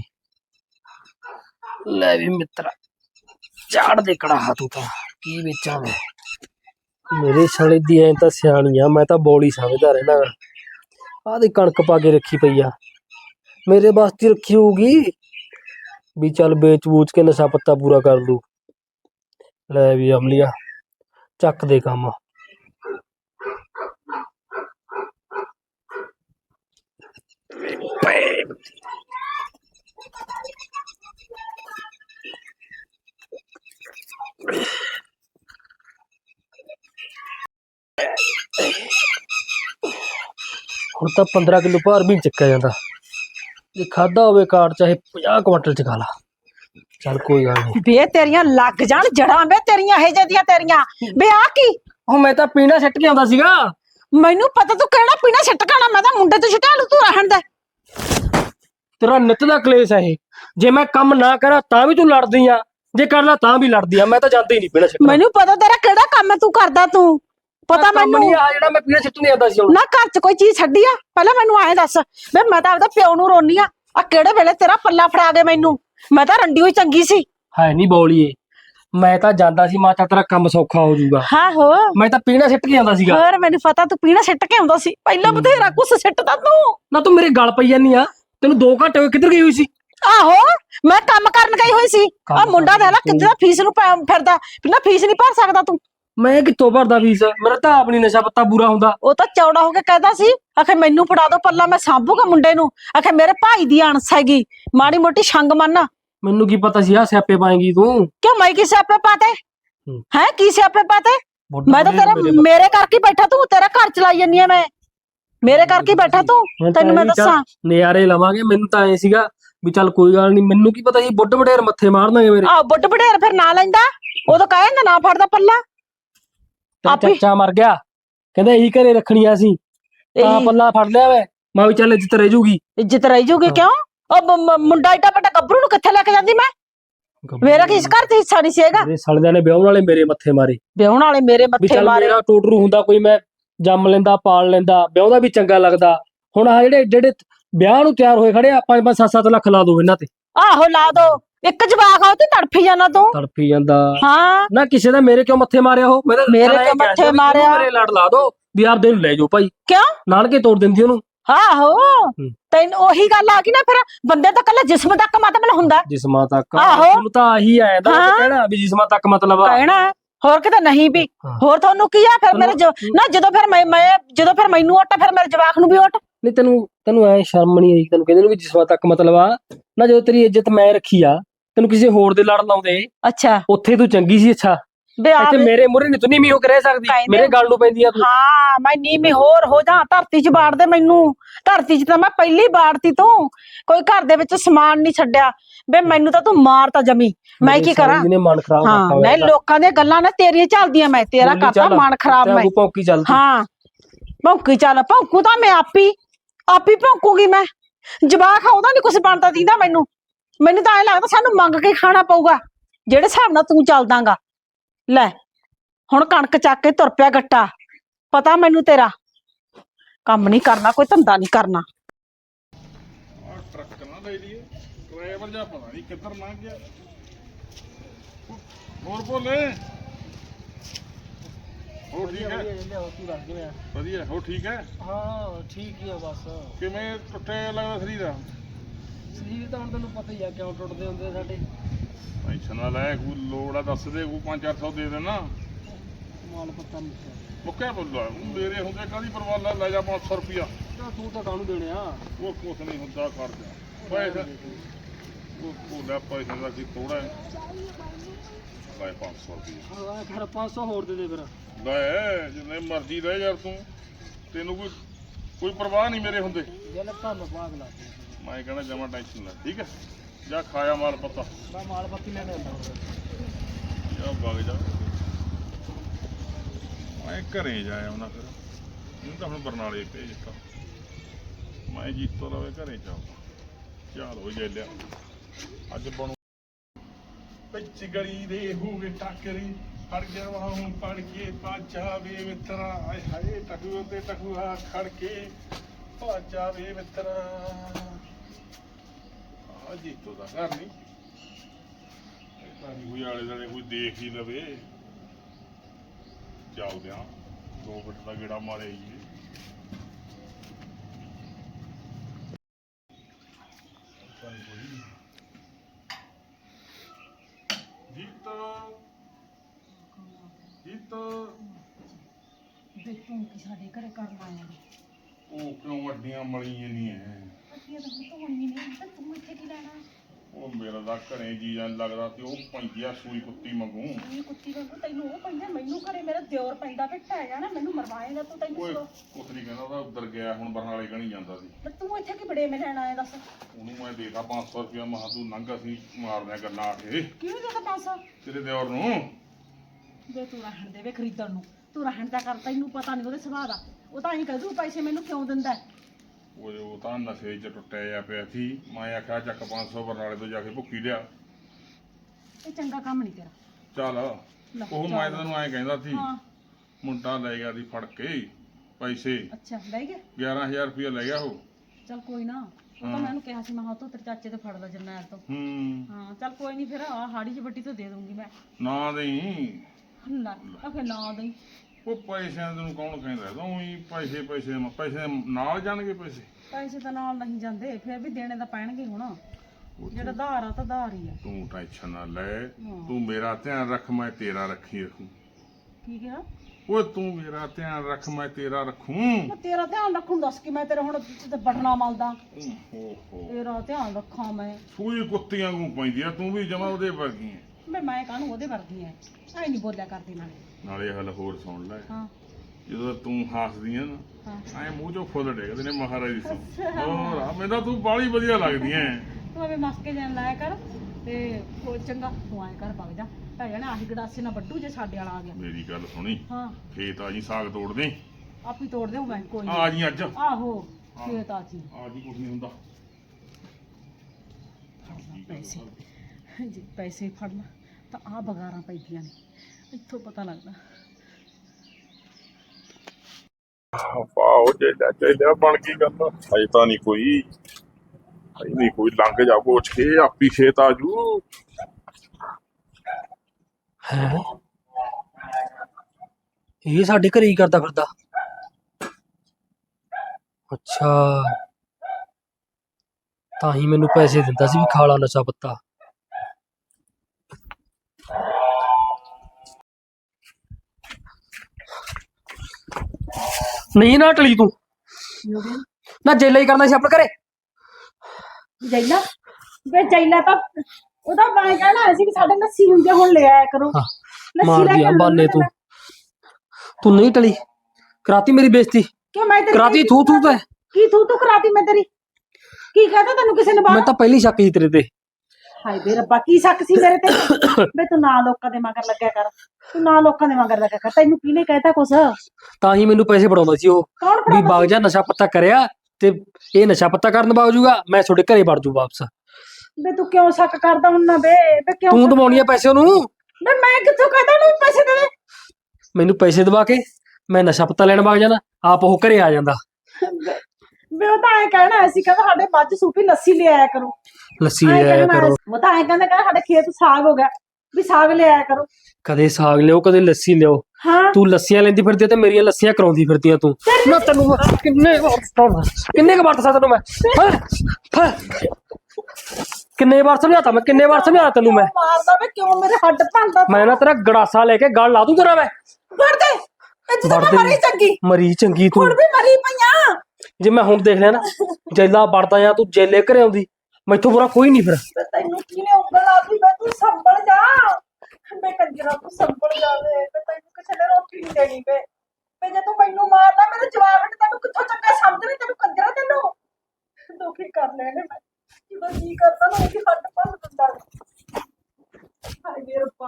Speaker 5: ਲੈ ਵੀ ਮਿੱਤਰਾ, ਝਾੜ ਦੇ ਕੜਾਹਾ, ਤੂੰ ਤਾਂ ਕੀ ਵੇਚਾਂ ਮੈਂ? ਮੇਰੇ ਸਾਲੇ ਦੀ ਐ ਤਾਂ ਸਿਆਣੀ ਆ, ਮੈਂ ਤਾਂ ਬੋਲੀ ਸਮਝਦਾ ਰਹਿਣਾ। ਆਹ ਦੀ ਕਣਕ ਪਾ ਕੇ ਰੱਖੀ ਪਈ ਆ, ਮੇਰੇ ਵਾਸਤੇ ਰੱਖੀ ਹੋਊਗੀ ਵੀ ਚੱਲ ਵੇਚ ਵੂਚ ਕੇ ਨਸ਼ਾ ਪੱਤਾ ਪੂਰਾ ਕਰ ਲੂ। ਲੈ ਵੀ ਅਮਲੀਆ, ਚੱਕ ਦੇ ਕੰਮ। ਹੁਣ ਤਾਂ ਪੰਦਰਾਂ ਕਿਲੋ ਭਾਰ ਵੀ ਨੀ ਚੱਕਿਆ ਜਾਂਦਾ, ਜੇ ਖਾਦਾ ਹੋਵੇ ਕਾਟ ਚਾਹੇ ਪੰਜਾਹ ਕੁਆਂਟਲ ਚਕਾ ਲਾ। ਚੱਲ ਕੋਈ ਗੱਲ ਨਹੀਂ।
Speaker 2: ਬੇ ਤੇਰੀਆਂ ਲੱਗ ਜਾਣ ਜੜਾਂ, ਬੇ ਤੇਰੀਆਂ ਇਹ ਜਿਹੇ ਦੀਆਂ ਤੇਰੀਆਂ। ਬੇ ਆ ਕੀ?
Speaker 5: ਉਹ ਮੈਂ ਤਾਂ ਪੀਣਾ ਸਿੱਟ ਕੇ ਆਉਂਦਾ ਸੀਗਾ।
Speaker 2: ਮੈਨੂੰ ਪਤਾ ਤੂੰ ਕਿਹੜਾ ਪੀਣਾ ਛਟਕਾਣਾ, ਮੈਂ ਤਾਂ ਮੁੰਡੇ ਤੋਂ ਛਟਾ ਲੂ, ਤੂੰ ਰਹਿਣ ਦੇ।
Speaker 5: ਤੇਰਾ ਨਿੱਤ ਦਾ ਕਲੇਸ਼ ਹੈ ਇਹ, ਜੇ ਮੈਂ ਕੰਮ ਨਾ ਕਰਾਂ ਤਾਂ ਵੀ ਤੂੰ ਲੜਦੀ ਆ, ਜੇ ਕਰ ਲਾ ਤਾਂ ਵੀ ਲੜਦੀ ਆ। ਮੈਂ ਤਾਂ ਜਾਂਦਾ ਹੀ ਨਹੀਂ ਪੀਣਾ ਸਿੱਟਣ।
Speaker 2: ਮੈਨੂੰ ਪਤਾ ਤੇਰਾ ਕਿਹੜਾ ਕੰਮ ਹੈ ਤੂੰ ਕਰਦਾ, ਤੂੰ ਪਤਾ ਮੈਨੂੰ
Speaker 5: ਨਹੀਂ ਆ ਜਿਹੜਾ ਮੈਂ ਪੀਣਾ ਸਿੱਟਣ ਨਹੀਂ ਆਉਂਦਾ ਸੀ। ਹੁਣ
Speaker 2: ਨਾ ਘਰ 'ਚ ਕੋਈ ਚੀਜ਼ ਛੱਡੀ ਆ? ਪਹਿਲਾਂ ਮੈਨੂੰ ਐਂ ਦੱਸ ਬੇ, ਮੈਂ ਤਾਂ ਆਪਦਾ ਪਿਓ ਨੂੰ ਰੋਨੀ ਆ, ਆ ਕਿਹੜੇ ਵੇਲੇ ਤੇਰਾ ਪੱਲਾ ਫੜਾ ਗਏ ਮੈਨੂੰ? ਮੈਂ ਤਾਂ ਰੰਡੀ ਹੋਈ ਚੰਗੀ ਸੀ।
Speaker 5: ਹੈ ਨਹੀਂ ਬੋਲੀਏ, ਮੈਂ ਤਾਂ ਜਾਂਦਾ ਸੀ, ਮਾਤਾ ਤੇਰਾ ਕੰਮ ਸੌਖਾ ਹੋ ਜਾਊਗਾ।
Speaker 2: ਹਾਂ ਹੋ,
Speaker 5: ਮੈਂ ਤਾਂ ਪੀਣਾ ਸਿੱਟ ਕੇ ਆਉਂਦਾ ਸੀਗਾ।
Speaker 2: ਹੋਰ ਮੈਨੂੰ ਪਤਾ ਤੂੰ ਪੀਣਾ ਸਿੱਟ ਕੇ ਆਉਂਦਾ ਸੀ, ਪਹਿਲਾਂ ਬਥੇਰਾ ਕੁਛ ਸਿੱਟਦਾ ਤੂੰ।
Speaker 5: ਨਾ ਤੂੰ ਮੇਰੇ ਗਲ ਪਈ ਜਾਨੀ ਆ, ਤੈਨੂੰ ਦੋ ਘੰਟੇ ਹੋਏ ਕਿੱਧਰ ਗਈ ਹੋਈ ਸੀ?
Speaker 2: ਆਹੋ, ਮੈਂ ਕੰਮ ਕਰਨ ਗਈ ਹੋਈ ਸੀ। ਆ ਮੁੰਡਾ ਦੇਖ ਲੈ ਕਿੱਦਾਂ ਫੀਸ ਨੂੰ ਪੈ- ਫਿਰਦਾ, ਬਿਨਾਂ ਫੀਸ ਨਹੀਂ ਭਰ ਸਕਦਾ ਤੂੰ।
Speaker 5: ਮੈਂ ਕਿੱਥੋਂ ਭਰਦਾ ਫੀਸ? ਮੇਰਾ ਤਾਂ ਆਪ ਨੀ ਨਸ਼ਾ ਪੱਤਾ ਪੂਰਾ ਹੁੰਦਾ।
Speaker 2: ਉਹ ਤਾਂ ਚੌੜਾ ਹੋ ਕੇ ਕਹਿੰਦਾ ਸੀ, ਆਖੇ ਮੈਨੂੰ ਫੜਾ ਦੋ ਪੱਲਾ, ਮੈਂ ਸਾਂਭੂਗਾ ਮੁੰਡੇ ਨੂੰ। ਆਖੇ ਮੇਰੇ ਭਾਈ ਦੀ ਅਣਸ ਹੈਗੀ, ਮਾੜੀ ਮੋਟੀ ਸ਼ੰਗ ਮੰਨ।
Speaker 5: ਮੈਨੂੰ ਕੀ ਪਤਾ ਸੀ ਆ ਸਿਆਪੇ ਪਾਏਗੀ ਤੂੰ।
Speaker 2: ਕਿਉਂ ਮੈਂ ਕੀ ਸਿਆਪੇ ਪਾਤੇ ਹੈ? ਕੀ ਸਿਆਪੇ ਪਾਤੇ?
Speaker 5: ਬੁੱਢਾ
Speaker 2: ਮੈਂ ਤਾਂ
Speaker 5: ਮੇਰੇ-
Speaker 2: ਤੇਰੇ
Speaker 5: ਮੇਰੇ-
Speaker 2: ਮੇਰੇ ਕਰਕੇ ਬੈਠਾ, ਤੂੰ ਤੇਰਾ ਘਰ ਚਲਾਈ ਜੰਨੀ ਆ, ਮੈਂ ਮੇਰੇ ਕਰਕੇ ਬੈਠਾ ਤੂੰ।
Speaker 5: ਹੁਣ ਤਾਂ
Speaker 2: ਤੈਨੂੰ ਮੈਂ
Speaker 5: ਇਹ ਵੀ ਚੱਲ
Speaker 2: ਦੱਸਾਂ,
Speaker 5: ਨਜ਼ਾਰੇ ਲਵਾਂਗੇ। ਮੈਨੂੰ ਤਾਂ ਐ ਸੀਗਾ ਵੀ ਚੱਲ ਕੋਈ ਗੱਲ ਨਹੀਂ, ਮੈਨੂੰ ਕੀ ਪਤਾ ਸੀ ਬੁੱਢ ਵਡੇਰ ਮੱਥੇ ਮਾਰਨਗੇ ਮੇਰੇ।
Speaker 2: ਆ ਬੁੱਢ ਵਡੇਰ ਫਿਰ ਨਾ ਲੈਂਦਾ, ਉਦੋਂ ਕਹਿ ਜਾਂਦਾ ਨਾ ਫੜਦਾ ਪੱਲਾ।
Speaker 5: ਤੇਰਾ
Speaker 2: ਆਪੇ-
Speaker 5: ਚਾਚਾ ਮਰ ਗਿਆ, ਕਹਿੰਦਾ ਇਹੀ ਘਰੇ ਰੱਖਣੀਆਂ ਸੀ, ਤਾਂ
Speaker 2: ਇਹੀ
Speaker 5: ਪੱਲਾ ਫੜ ਲਿਆ ਵੇ। ਮੈਂ ਵੀ ਚੱਲ ਇੱਜ਼ਤ ਰਹਿ ਜੂਗੀ।
Speaker 2: ਇੱਜ਼ਤ ਰਹੀ ਜੂਗੀ
Speaker 5: ਹਾਂ।
Speaker 2: ਕਿਉਂ? ਉਹ ਮ- ਮ- ਮੁੰਡਾ ਏਡਾ ਵੱਡਾ ਗੱਭਰੂ ਨੂੰ ਕਿੱਥੇ ਲੈ ਕੇ ਜਾਂਦੀ ਮੈਂ? ਮੇਰਾ ਕੀ ਇਸ ਘਰ ਤੇ ਹਿੱਸਾ ਨਹੀਂ ਸੀ ਹੈਗਾ?
Speaker 5: ਮੇਰੇ ਸਾਲਿਆਂ ਨੇ ਵਿਆਹਣ ਵਾਲੇ ਮੇਰੇ ਮੱਥੇ ਮਾਰੇ
Speaker 2: ਵਿਆਹਣ ਵਾਲੇ ਮੇਰੇ
Speaker 5: ਵੀ
Speaker 2: ਮੱਥੇ
Speaker 5: ਚੱਲ
Speaker 2: ਮਾਰੇ।
Speaker 5: ਮੇਰਾ ਟੋਟਰੂ ਹੁੰਦਾ ਕੋਈ, ਮੈਂ ਜੰਮ ਲੈਂਦਾ ਪਾਲ ਲੈਂਦਾ, ਵਿਆਹਦਾ ਵੀ ਚੰਗਾ ਲੱਗਦਾ। ਹੁਣ ਆ ਜਿਹੜੇ ਜਿਹੜੇ ਵਿਆਹ ਨੂੰ ਤਿਆਰ ਹੋਏ ਖੜੇ ਆ, ਪੰਜ ਪੰਜ ਸੱਤ ਸੱਤ ਲੱਖ ਲਾ ਦੋ ਇਹਨਾਂ ਤੇ।
Speaker 2: ਆਹੋ ਲਾ ਦੋ, ਇੱਕ ਜਵਾਕ ਆ ਉਹ ਤੇ ਤੜਫੀ ਜਾਣਾ ਤੂੰ।
Speaker 5: ਤੜਫੀ ਜਾਂਦਾ
Speaker 2: ਹਾਂ
Speaker 5: ਨਾ, ਕਿਸੇ ਦਾ ਮੇਰੇ ਕਿਉਂ ਮੱਥੇ ਮਾਰਿਆ ਉਹ? ਮੈਂ ਤਾਂ
Speaker 2: ਮੇਰੇ
Speaker 5: ਸਾਲਾ ਇਹ
Speaker 2: ਕਿਉਂ
Speaker 5: ਕਿਹਾ
Speaker 2: ਮੱਥੇ
Speaker 5: ਸੀ ਵੀ
Speaker 2: ਮਾਰਿਆ?
Speaker 5: ਇਹਨੂੰ ਮੇਰੇ ਲੜ ਲਾ ਦੋ ਵੀ ਆਪਦੇ ਨੂੰ ਲੈ ਜਾਓ ਭਾਈ।
Speaker 2: ਕਿਉਂ?
Speaker 5: ਨਾਨਕੇ ਤੋੜ ਦਿੰਦੀ ਉਹਨੂੰ।
Speaker 2: ਆਹੋ ਤੈਨੂੰ ਉਹੀ ਗੱਲ ਆ ਗਈ ਨਾ, ਫਿਰ ਬੰਦੇ ਤਾਂ ਕੱਲਾ ਜਿਸਮ ਤੱਕ ਮਤਲਬ ਹੁੰਦਾ
Speaker 5: ਜਿਸਮਾਂ ਤੱਕ
Speaker 2: ਆਹੋ।
Speaker 5: ਤੁਹਾਨੂੰ ਤਾਂ ਆਹੀ ਆਇਆ ਦਾ
Speaker 2: ਹਾਂ।
Speaker 5: ਕਹਿਣਾ ਵੀ ਜਿਸਮਾਂ ਤੱਕ ਮਤਲਬ ਆ।
Speaker 2: ਕਹਿਣਾ ਹੈ, ਹੋਰ ਕਿਤੇ ਨਹੀਂ ਵੀ।
Speaker 5: ਹਾਂ।
Speaker 2: ਹੋਰ ਤੁਹਾਨੂੰ ਕੀ ਆ ਫਿਰ? ਮੇਰੇ ਜ- ਨਾ ਜਦੋਂ ਫਿਰ ਮੈਂ ਮੈਂ ਜਦੋਂ ਫਿਰ ਮੈਨੂੰ ਓਟ, ਫਿਰ ਮੇਰੇ ਜਵਾਕ ਨੂੰ ਵੀ ਓਟ।
Speaker 5: ਨਹੀਂ ਤੈਨੂੰ ਤੈਨੂੰ ਐ ਸ਼ਰਮ ਨਹੀਂ ਆਈ? ਤੈਨੂੰ ਕਹਿੰਦੇ ਨੂੰ ਵੀ ਜਿਸਮਾਂ ਤੱਕ ਮਤਲਬ ਆ ਨਾ, ਜਦੋਂ ਤੇਰੀ ਇੱਜ਼ਤ ਮੈਂ ਰੱਖੀ ਆ, ਤੈਨੂੰ ਕਿਸੇ ਹੋਰ ਦੇ ਲੜ ਲਾਉਂਦੇ,
Speaker 2: ਅੱਛਾ
Speaker 5: ਉੱਥੇ ਤੂੰ ਚੰਗੀ ਸੀ। ਅੱਛਾ
Speaker 2: ਬੇ ਆ
Speaker 5: ਇੱਥੇ ਮੇਰੇ ਮੂਹਰੇ ਨਹੀਂ ਤੂੰ ਨੀਵੀਂ ਹੋ ਕੇ ਰਹਿ ਸਕਦੀ,
Speaker 2: ਕਹਿੰਦੇ-
Speaker 5: ਮੇਰੇ ਗੱਲ ਨੂੰ ਪੈਂਦੀ ਆ ਤੂੰ।
Speaker 2: ਹਾਂ ਮੈਂ ਨੀਵੀਂ ਹੋਰ ਹੋ ਜਾ, ਧਰਤੀ 'ਚ ਬਾੜ ਦੇ ਮੈਨੂੰ। ਧਰਤੀ 'ਚ ਤਾਂ ਮੈਂ ਪਹਿਲੀ ਬਾੜਤੀ ਤੂੰ, ਕੋਈ ਘਰ ਦੇ ਵਿੱਚ ਸਮਾਨ ਨਹੀਂ ਛੱਡਿਆ। ਬੇ ਮੈਨੂੰ ਤਾਂ ਤੂੰ ਮਾਰ ਤਾਂ ਜਮੀ, ਮੈਂ ਕੀ ਕਰਾਂ?
Speaker 5: ਜਿਹਨੇ ਮਨ ਖਰਾਬ
Speaker 2: ਹਾਂ
Speaker 5: ਕਰਤਾ
Speaker 2: ਨਹੀਂ, ਲੋਕਾਂ ਦੀਆਂ ਗੱਲਾਂ ਨਾ ਤੇਰੀਆਂ ਚੱਲਦੀਆਂ, ਮੈਂ ਤੇਰਾ ਕਰਤਾ ਮਨ ਖਰਾਬ। ਮੈਂ
Speaker 5: ਭੌਂਕੀ ਚੱਲਦੀ।
Speaker 2: ਹਾਂ ਭੌਂਕੀ ਚੱਲ, ਭੌਂਕੂ ਤਾਂ ਮੈਂ ਆਪੀ ਆਪੀ ਭੌਂਕੂਗੀ ਮੈਂ। ਜਵਾਕ ਆ ਉਹਦਾ ਨੀ ਕੁਛ ਬਣਦਾ ਦੀਦਾ ਮੈਨੂੰ। ਮੈਨੂੰ ਤਾਂ ਐ ਲੱਗਦਾ ਸਾਨੂੰ ਮੰਗ ਕੇ ਖਾਣਾ ਪਊਗਾ, ਜਿਹੜੇ ਹਿਸਾਬ ਨਾਲ ਤੂੰ ਚੱਲਦਾਗਾ। ਲੈ ਹੁਣ ਕਣਕ ਚੱਕ ਕੇ ਤੁਰ ਪਿਆ ਗੱਟਾ, ਪਤਾ ਮੈਨੂੰ ਤੇਰਾ ਕੰਮ ਨਹੀਂ ਕਰਨਾ, ਕੋਈ ਧੰਦਾ ਨਹੀਂ ਕਰਨਾ।
Speaker 1: ਆ ਟਰੱਕ ਨਾ ਲੈ ਲਈਏ, ਡਰਾਈਵਰ ਜਾਂ ਪਤਾ ਨਹੀਂ ਕਿੱਧਰ ਲੰਘ ਗਿਆ। ਹੋਰ ਬੋਲੇ, ਹੋਰ ਠੀਕ ਹੈ? ਵਧੀਆ, ਹੋਰ ਠੀਕ ਹੈ?
Speaker 5: ਹਾਂ ਠੀਕ ਹੀ ਆ ਬਸ।
Speaker 1: ਕਿਵੇਂ ਟੁੱਟੇ ਲੱਗਦਾ ਸਰੀਰ ਆ?
Speaker 5: ਸਰੀਰ ਤਾਂ ਹੁਣ ਤੈਨੂੰ ਪਤਾ ਹੀ ਆ ਕਿਉਂ ਟੁੱਟਦੇ ਹੁੰਦੇ ਸਾਡੇ।
Speaker 1: ਟੈਨਸ਼ਨ ਨਾ ਲੈ, ਕੋਈ ਲੋੜ ਆ ਦੱਸ ਦੇ, ਕੋਈ ਪੰਜ ਚਾਰ ਸੌ ਦੇ ਦੇਣਾ।
Speaker 5: ਮਾਲ ਪੱਤਾ ਨਹੀਂ
Speaker 1: ਮੁੱਕਿਆ ਬੋਲਾ, ਮੇਰੇ ਹੁੰਦੇ ਕਾਹਦੀ ਪਰਵਾਹ, ਲੈ ਲੈ ਜਾ ਪੰਜ ਸੌ ਰੁਪਇਆ।
Speaker 5: ਤੂੰ ਤਾਂ ਕਾਹਨੂੰ ਦੇਣੇ ਆ?
Speaker 1: ਉਹ ਕੁਛ ਨਹੀਂ ਹੁੰਦਾ, ਕਰ ਜਾ ਪੈਸੇ। ਉਹ ਉਹ ਲੈ ਪੈਸੇ ਦਾ ਕੀ ਥੋੜਾ ਹੈ, ਲੈ ਪੰਜ ਸੌ ਰੁਪਇਆ
Speaker 5: ਹਾਂ ਘਰ ਪੰਜ ਸੌ ਹੋਰ ਦੇ ਦੇ ਫਿਰ।
Speaker 1: ਲੈ ਜਿੰਨੇ ਮਰਜ਼ੀ ਰਹਿ ਯਾਰ ਤੂੰ, ਤੈਨੂੰ ਕੋਈ ਕੋਈ ਪਰਵਾਹ ਨਹੀਂ ਮੇਰੇ ਹੁੰਦੇ।
Speaker 5: ਗੱਲ ਤੁਹਾਨੂੰ ਪਾਗਲਾ
Speaker 1: ਮੈਂ ਕਹਿੰਦਾ ਜਮਾ ਟੈਨਸ਼ਨ ਲੈ, ਠੀਕ ਹੈ? ਜਾ ਖਾਇਆ ਮਾਲ ਪੱਤਾ,
Speaker 5: ਮੈਂ ਮਾਲ ਪੱਤੀ ਲੈਣੇ ਆਉਂਦਾ।
Speaker 1: ਜਾ ਵਗ ਜਾ। ਮੈਂ ਘਰੇ ਜਾਇਆ ਉਹਨਾਂ, ਫਿਰ ਇਹਨੂੰ ਤਾਂ ਹੁਣ ਬਰਨਾਲੇ ਭੇਜਤਾ। ਮੈਂ ਜੀਤੋ ਲਵੇ ਘਰੇ ਜਾਊਂਗਾ। ਚੱਲ ਹੋ ਜਾ ਲਿਆ ਅੱਜ ਬਣੂ ਵਿੱਚ ਗਲੀ ਦੇ ਹੋਗੇ ਟੱਕਰੀ, ਫੜ ਗਿਆ ਵਾਹੋਂ ਪੜ ਕੇ ਪਾਚਾ ਵੇ ਮਿੱਤਰਾ। ਆਏ ਹਾਏ ਟਕੂ ਤੇ ਟਕੂਆ ਖੜ ਕੇ ਪਾਚਾ ਵੇ ਮਿੱਤਰਾ। ਆ ਜੀਤੋ ਦਾ ਘਰ ਨਹੀਂ, ਕੋਈ ਆਲੇ ਦੁਆਲੇ ਕੋਈ ਦੇਖ ਹੀ ਲਵੇ। ਚੱਲਦੇ ਆ, ਦੋ ਮਿੰਟ ਦਾ ਗੇੜਾ ਮਾਰੇ ਜੀ। ਜੀਤ ਜੀਤ
Speaker 2: ਦੇਖੋ ਕਿ ਸਾਡੇ ਘਰੇ ਕਰਨ ਆਇਆ
Speaker 1: ਉਹ ਕਿਉਂ ਵੱਡੀਆਂ ਮਲੀਆਂ ਨਹੀਂ ਐ?
Speaker 2: ਅੱਛਾ ਤਾਂ ਤੂੰ ਹੋਣੀ ਨਹੀਂ ਤਾਂ ਤੂੰ ਇੱਥੇ ਕੀ ਲੈਣਾ?
Speaker 1: ਉਹ ਮੇਰਾ ਤਾਂ ਘਰੇ ਜੀ ਜਾਂ ਲੱਗਦਾ ਤੇ ਉਹ ਪੈਂਦੀ ਆ ਸੂਈ ਕੁੱਤੀ ਮੰਗੂ।
Speaker 2: ਇਹ ਕੁੱਤੀ ਵਾਂਗੂ ਤੈਨੂੰ ਉਹ ਪੈਂਦਾ, ਮੈਨੂੰ ਘਰੇ ਮੇਰਾ ਦਿਓਰ ਪੈਂਦਾ, ਫਿਰ ਢਹਿ ਜਾਣਾ, ਮੈਨੂੰ ਮਰਵਾਏਗਾ ਤੂੰ। ਤੈਨੂੰ
Speaker 1: ਓਏ
Speaker 2: ਸੋ
Speaker 1: ਕੁਛ ਨਹੀਂ ਕਹਿੰਦਾ, ਉਹਦਾ ਉੱਧਰ ਗਿਆ ਹੁਣ ਬਰਨਾਲੇ ਕਣੀ ਜਾਂਦਾ ਸੀ।
Speaker 2: ਤੇ ਤੂੰ ਇੱਥੇ ਕੀ ਬੜੇ ਮੈਂ ਲੈਣ ਆਇਆ ਦੱਸ?
Speaker 1: ਉਹਨੂੰ ਮੈਂ ਦੇਤਾ ਪੰਜ ਸੌ ਰੁਪਇਆ, ਮਹਾ ਤੂੰ ਲੰਘ, ਅਸੀਂ ਮਾਰਦੇ ਗੱਲਾਂ ਆ ਕੇ
Speaker 2: ਕਿਉਂ ਦੇਦਾ ਪੰਜ ਸੌ?
Speaker 1: ਤੇਰੇ ਦਿਓਰ ਨੂੰ।
Speaker 2: ਵੇ ਤੂੰ ਰਹਿਣ ਦੇ ਵੇ ਖਰੀਦਣ ਨੂੰ, ਤੂੰ ਰਹਿਣ ਦਾ ਕਰ, ਤੈਨੂੰ ਪਤਾ ਨਹੀਂ ਉਹਦੇ ਸੁਭਾਅ ਦਾ। ਉਹ ਤਾਂ ਐਂ ਕਹਦੂ ਪੈਸੇ ਮੈਨੂੰ ਕਿਉਂ ਦਿੰਦਾ?
Speaker 1: ਓਏ ਉਹ ਤਾਂ ਨਸ਼ੇ 'ਚ ਟੁੱਟਿਆ ਪਿਆ ਸੀ। ਮੈਂ ਆਖਿਆ ਚੱਕ ਪੰਜ ਸੌ ਬਰਨਾਲੇ ਤੋਂ ਜਾ ਕੇ ਭੁੱਕੀ ਲਿਆ।
Speaker 2: ਇਹ ਚੰਗਾ ਕੰਮ ਨਹੀਂ ਤੇਰਾ।
Speaker 1: ਚੱਲ
Speaker 2: ਲੈ,
Speaker 1: ਉਹ ਮੈਂ ਤੈਨੂੰ ਐਂ ਕਹਿੰਦਾ ਸੀ,
Speaker 2: ਹਾਂ
Speaker 1: ਮੁੰਡਾ ਲੈ ਗਿਆ ਸੀ ਫੜ ਕੇ ਪੈਸੇ,
Speaker 2: ਅੱਛਾ ਲੈ ਗਿਆ।
Speaker 1: ਗਿਆਰਾਂ ਹਜ਼ਾਰ ਰੁਪਇਆ ਲੈ ਗਿਆ ਉਹ।
Speaker 2: ਚੱਲ ਕੋਈ ਨਾ, ਉਹ ਤਾਂ
Speaker 1: ਹਾਂ।
Speaker 2: ਮੈਂ ਉਹਨੂੰ ਕਿਹਾ ਸੀ, ਮੈਂ ਕਿਹਾ ਤੂੰ ਤੇਰੇ ਚਾਚੇ ਤੋਂ ਫੜ ਲੈ ਜਰਨੈਲ ਤੋਂ।
Speaker 1: ਹੂੰ
Speaker 2: ਹਾਂ ਚੱਲ ਕੋਈ ਨਹੀਂ, ਫਿਰ ਆ ਹਾੜੀ ਚ ਵੱਟੀ ਤੋਂ ਦੇ ਦੂੰਗੀ ਮੈਂ।
Speaker 1: ਨਾ ਦੇਈ
Speaker 2: ਲੈ ਆਖੇ ਨਾ ਦਈ।
Speaker 1: ਉਹ ਪੈਸਿਆਂ ਨੂੰ ਤੈਨੂੰ ਕੌਣ ਕਹਿੰਦਾ? ਤੂੰ ਹੀ ਪੈਸੇ ਪੈਸੇ ਪੈਸੇ ਨਾਲ ਜਾਣਗੇ ਪੈਸੇ।
Speaker 2: ਪੈਸੇ ਤਾਂ ਨਾਲ ਨਹੀਂ ਜਾਂਦੇ, ਫਿਰ ਵੀ ਦੇਣੇ ਤਾਂ ਪੈਣਗੇ ਹੁਣ।
Speaker 1: ਉਹ
Speaker 2: ਜਿਹੜਾ ਧਾਰ ਆ ਤਾਂ ਧਾਰ ਹੀ ਆ।
Speaker 1: ਤੂੰ ਟੈਨਸ਼ਨ ਨਾ ਲੈ,
Speaker 2: ਹਾਂ।
Speaker 1: ਤੂੰ ਮੇਰਾ ਧਿਆਨ ਰੱਖ, ਮੈਂ ਤੇਰਾ ਰੱਖੀ ਰੱਖੂ।
Speaker 2: ਕੀ ਕਿਹਾ?
Speaker 1: ਓਏ ਤੂੰ ਮੇਰਾ ਧਿਆਨ ਰੱਖ, ਮੈਂ ਤੇਰਾ ਰੱਖੂ।
Speaker 2: ਮੈਂ ਤੇਰਾ ਧਿਆਨ ਰੱਖੂ, ਦੱਸ ਕਿ ਮੈਂ ਤੇਰਾ ਹੁਣ ਬਟਨਾ ਮਲਦਾ?
Speaker 1: ਓ ਹੋ
Speaker 2: ਤੇਰਾ ਧਿਆਨ ਰੱਖਾਂ ਮੈਂ?
Speaker 1: ਸੂਈ ਕੁੱਤੀਆਂ ਨੂੰ ਪੈਂਦੀ ਆ, ਤੂੰ ਵੀ ਜਮਾ ਉਹਦੇ ਵਰਗੀ ਐ।
Speaker 2: ਮੈਂ ਮੈਂ ਕਾਹਨੂੰ ਉਹਦੇ ਵਰਗੀ ਐ? ਐ ਨਹੀਂ ਬੋਲਿਆ ਕਰਦੀ ਨਾਲੇ।
Speaker 1: ਨਾਲੇ ਹਲ ਹੋਰ ਸੁਣ ਲੈ,
Speaker 2: ਹਾਂ
Speaker 1: ਜਦੋਂ ਤੂੰ ਹੱਸਦੀ ਆ ਨਾ,
Speaker 2: ਹਾਂ
Speaker 1: ਐ ਮੂੰਹ ਚੋਂ ਫੁੱਲ ਡੇਗਦੇ ਨੇ ਮਹਾਰਾਜ ਦੀ ਸੌਂ। ਹੋਰ ਆ, ਮੈਨੂੰ ਤਾਂ ਤੂੰ ਬਾਹਲੀ ਵਧੀਆ ਲੱਗਦੀ ਐ।
Speaker 2: ਤੂੰ ਐਵੇਂ ਮਸਕੇ ਜਾਣ ਲਾਇਆ ਕਰ ਤੇ ਉਹ ਚੰਗਾ ਤੂੰ ਆਏ ਕਰ ਵਗ ਜਾ ਪੈ ਜਾਣਾ ਆਹੀ ਗੜਾਸੇ ਨਾਲ ਵੱਡੂ ਜੇ ਸਾਡੇ ਵਾਲਾ ਆ ਗਿਆ।
Speaker 1: ਮੇਰੀ ਗੱਲ ਸੁਣੀ,
Speaker 2: ਹਾਂ
Speaker 1: ਖੇਤ ਆ ਜੀ ਸਾਗ ਤੋੜ ਦੇ।
Speaker 2: ਆਪ ਹੀ ਤੋੜ ਦੇਉ ਮੈਂ ਕੋਈ
Speaker 1: ਆ ਜੀ ਅੱਜ
Speaker 2: ਆਹੋ ਖੇਤ ਆ ਜੀ
Speaker 1: ਆ ਜੀ ਕੁਝ ਨਹੀਂ ਹੁੰਦਾ।
Speaker 2: ਪੈਸੇ ਜੇ ਪੈਸੇ ਫੜ ਲਾ ਤਾਂ ਆ ਬਗਾਰਾਂ ਪੈਂਦੀਆਂ ਨੇ ਇੱਥੋਂ ਪਤਾ ਲੱਗਦਾ।
Speaker 1: ਪਾਓ ਜੇ ਚਾਹੀਦਾ ਬਣ ਕੀ ਗੱਲ ਅਜੇ ਤਾਂ ਨਹੀਂ ਕੋਈ ਅਜੇ ਨਹੀਂ ਕੋਈ ਲੰਘ ਜਾ ਕੋਚ ਕੇ ਆਪੀ ਖੇਤ ਆ ਜੂ।
Speaker 5: ਹੈ ਇਹ ਸਾਡੇ ਘਰੇ ਹੀ ਕਰਦਾ ਫਿਰਦਾ। ਅੱਛਾ ਤਾਂ ਹੀ ਮੈਨੂੰ ਪੈਸੇ ਦਿੰਦਾ ਸੀ ਵੀ ਖਾ ਲਾ ਨਸ਼ਾ ਪੱਤਾ। ਨਹੀਂ ਨਾ ਟਲੀ ਤੂੰ ਨਾ ਜੇਲਾ ਹੀ ਕਰਨਾ ਸੀ ਆਪਣੇ ਘਰੇ।
Speaker 2: ਜੈਲਾ ਵੇ ਜੈਲਾ ਤਾਂ ਉਹਦਾ ਬਾਈ ਕਹਿਣਾ ਸੀ ਕਿ ਸਾਡੇ ਲੱਸੀ ਹੁੰਦੇ ਹੁਣ ਲੈ ਆਇਆ ਕਰੋ।
Speaker 5: ਹਾਂ,
Speaker 2: ਲੱਸੀ ਲੈ
Speaker 5: ਮਾਰਦੀ
Speaker 2: ਕੇ
Speaker 5: ਆ
Speaker 2: ਆਉਂਦੇ
Speaker 5: ਬਾਨੇ ਤੂੰ
Speaker 2: ਮੈਂ।
Speaker 5: ਤੂੰ ਨਹੀਂ ਟਲੀ ਕਰਾਤੀ ਮੇਰੀ ਬੇਇੱਜ਼ਤੀ
Speaker 2: ਕਿਉਂ ਮੈਂ ਤੇਰੀ
Speaker 5: ਕਰਾਤੀ ਥੂ ਥੂ ਤੇ
Speaker 2: ਕੀ ਤੂੰ ਤੂੰ ਕਰਾਤੀ ਮੈਂ ਤੇਰੀ ਕੀ ਕਹਤਾ ਤੈਨੂੰ ਕਿਸੇ ਨੇ
Speaker 5: ਮੈਂ
Speaker 2: ਬਾਹਰ
Speaker 5: ਤਾਂ ਪਹਿਲੀ ਸ਼ੱਕ ਸੀ ਤੇਰੇ ਤੇ।
Speaker 2: ਹਾਏ ਬੇ ਰੱਬਾ ਕੀ ਸ਼ੱਕ ਸੀ ਮੇਰੇ ਤੇ ਵੇ ਤੂੰ ਨਾ ਲੋਕਾਂ ਦੇ ਮਗਰ ਲੱਗਿਆ ਕਰ ਤੂੰ ਨਾ ਲੋਕਾਂ ਦੇ ਮਗਰ ਲੱਗਿਆ ਕਰ ਤੈਨੂੰ ਕਿਹਨੇ ਕਹਿਤਾ ਕੁਛ
Speaker 5: ਤਾਂ ਹੀ ਮੈਨੂੰ ਪੈਸੇ ਫੜਾਉਂਦਾ ਸੀ ਉਹ
Speaker 2: ਕੌਣ
Speaker 5: ਵੀ
Speaker 2: ਫੜਾਉਂਦਾ
Speaker 5: ਬਾਗ ਜਾ ਨਸ਼ਾ ਪੱਤਾ ਕਰਿਆ ਤੇ ਇਹ ਨਸ਼ਾ ਪੱਤਾ ਕਰਨ ਬਾਗ ਜੂਗਾ ਮੈਂ ਤੁਹਾਡੇ ਘਰੇ ਵੜ ਜੂ ਵਾਪਸ।
Speaker 2: ਵੇ ਤੂੰ ਕਿਉਂ ਸ਼ੱਕ ਕਰਦਾ ਹੁੰਨਾ ਬੇ ਵੇ ਕਿਉਂ
Speaker 5: ਤੂੰ ਦਵਾਉਣੀ ਆ ਪੈਸੇ ਉਹਨੂੰ।
Speaker 2: ਵੇ ਮੈਂ ਕਿੱਥੋਂ ਕਹਦਾ ਉਹਨੂੰ ਪੈਸੇ ਦੇ ਦੇ
Speaker 5: ਮੈਨੂੰ ਪੈਸੇ ਦਵਾ ਕੇ ਮੈਂ ਨਸ਼ਾ ਪੱਤਾ ਲੈਣ ਵਗ ਜਾਣਾ ਆਪ ਉਹ ਘਰੇ ਆ ਜਾਂਦਾ।
Speaker 2: ਵੇ ਉਹ ਤਾਂ ਐ ਕਹਿਣਾ ਸੀ ਕਹਿੰਦਾ ਸਾਡੇ ਮੱਝ ਸੂਪੀ ਲੱਸੀ ਲੈ ਆਇਆ ਕਰੋ।
Speaker 5: ਲੱਸੀ
Speaker 2: ਐਂ
Speaker 5: ਲੈ ਆਇਆ
Speaker 2: ਕਹਿਣਾ
Speaker 5: ਕਰੋ।
Speaker 2: ਉਹ ਤਾਂ ਐ ਕਹਿੰਦਾ ਕਹਿੰਦਾ ਸਾਡੇ ਖੇਤ ਸਾਗ ਹੋ ਗਿਆ ਵੀ ਸਾਗ ਲੈ ਆਇਆ ਕਰੋ।
Speaker 5: ਕਦੇ ਸਾਗ ਲਿਓ ਕਦੇ ਲੱਸੀ ਲਿਓ।
Speaker 2: ਹਾਂ
Speaker 5: ਤੂੰ ਲੱਸੀਆਂ ਲੈਂਦੀ ਫਿਰਦੀ ਆ ਤੇ ਮੇਰੀਆਂ ਲੱਸੀਆਂ ਕਰਾਉਂਦੀ ਫਿਰਦੀ ਆ ਤੂੰ। ਨਾ ਤੈਨੂੰ ਮੈਂ ਕਿੰਨੇ ਵਾਰ ਸਮਝਾਉਣਾ, ਕਿੰਨੇ ਕੁ ਵਾਰ ਦੱਸਾਂ ਤੈਨੂੰ ਮੈਂ ਹੈਂ? ਹੈਂ? ਕਿੰਨੇ ਵਾਰ ਸਮਝਾਤਾ ਮੈਂ ਕਿੰਨੇ ਵਾਰ ਸਮਝਾਤਾ ਤੈਨੂੰ ਮੈਂ।
Speaker 2: ਮਾਰਦਾ ਵੇ ਕਿਉਂ ਮੇਰੇ ਹੱਡ ਭੰਦਾ
Speaker 5: ਮੈਂ ਨਾ ਤੇਰਾ ਗੜਾਸਾ ਲੈ ਕੇ ਗਲ ਲਾ ਦੂੰ ਤੇਰਾ ਮੈਂ।
Speaker 2: ਵੜ ਦੇ ਇੱਥੇ ਤਾਂ
Speaker 5: ਵੜ
Speaker 2: ਮੈਂ
Speaker 5: ਦੇ।
Speaker 2: ਮਰੀ ਚੰਗੀ
Speaker 5: ਮਰੀ ਚੰਗੀ ਤੂੰ।
Speaker 2: ਹੁਣ ਵੀ ਮਰੀ ਪਈਆਂ
Speaker 5: ਜੇ ਮੈਂ ਹੁਣ ਦੇਖ ਲਿਆ ਨਾ ਜੇਲਾ ਵੜਦਾ ਜਾਂ ਤੂੰ ਜੇਲੇ ਘਰੇ ਆਉਂਦੀ ਮੈਥੋਂ ਬੁਰਾ ਕੋਈ ਨਹੀਂ ਫਿਰ।
Speaker 2: ਤੇ ਤੈਨੂੰ ਕਿਹਨੇ ਉਂਗਲ ਲਾਤੀ ਵੇ ਤੂੰ ਸੰਭਲ ਜਾ ਬੇ ਕੰਜਰਾ ਤੂੰ ਸੰਭਲ ਜਾ ਵੇ ਤੇ ਤੈਨੂੰ ਕਿਸੇ ਨੇ ਰੋਟੀ ਨਹੀਂ ਦੇਣੀ ਵੇ ਵੇ ਜੇ ਤੂੰ ਮੈਨੂੰ ਮਾਰਦਾ ਮੇਰੇ ਜਵਾਬ ਨੇ ਤੈਨੂੰ ਕਿੱਥੋਂ ਚੰਗਾ ਸਮਝ ਨਹੀਂ ਤੈਨੂੰ ਕੰਜਰਾ ਤੈਨੂੰ ਦੁਖੀ ਕਰ ਲੈਣੇ ਮੈਂ ਜਦੋਂ ਜੀ ਕਰਦਾ ਨਾ ਉਹਦੀ ਹੱਡ ਭੰਨ ਦਿੰਦਾ ਹਾਏ ਮੇਰੇ ਰੱਬਾ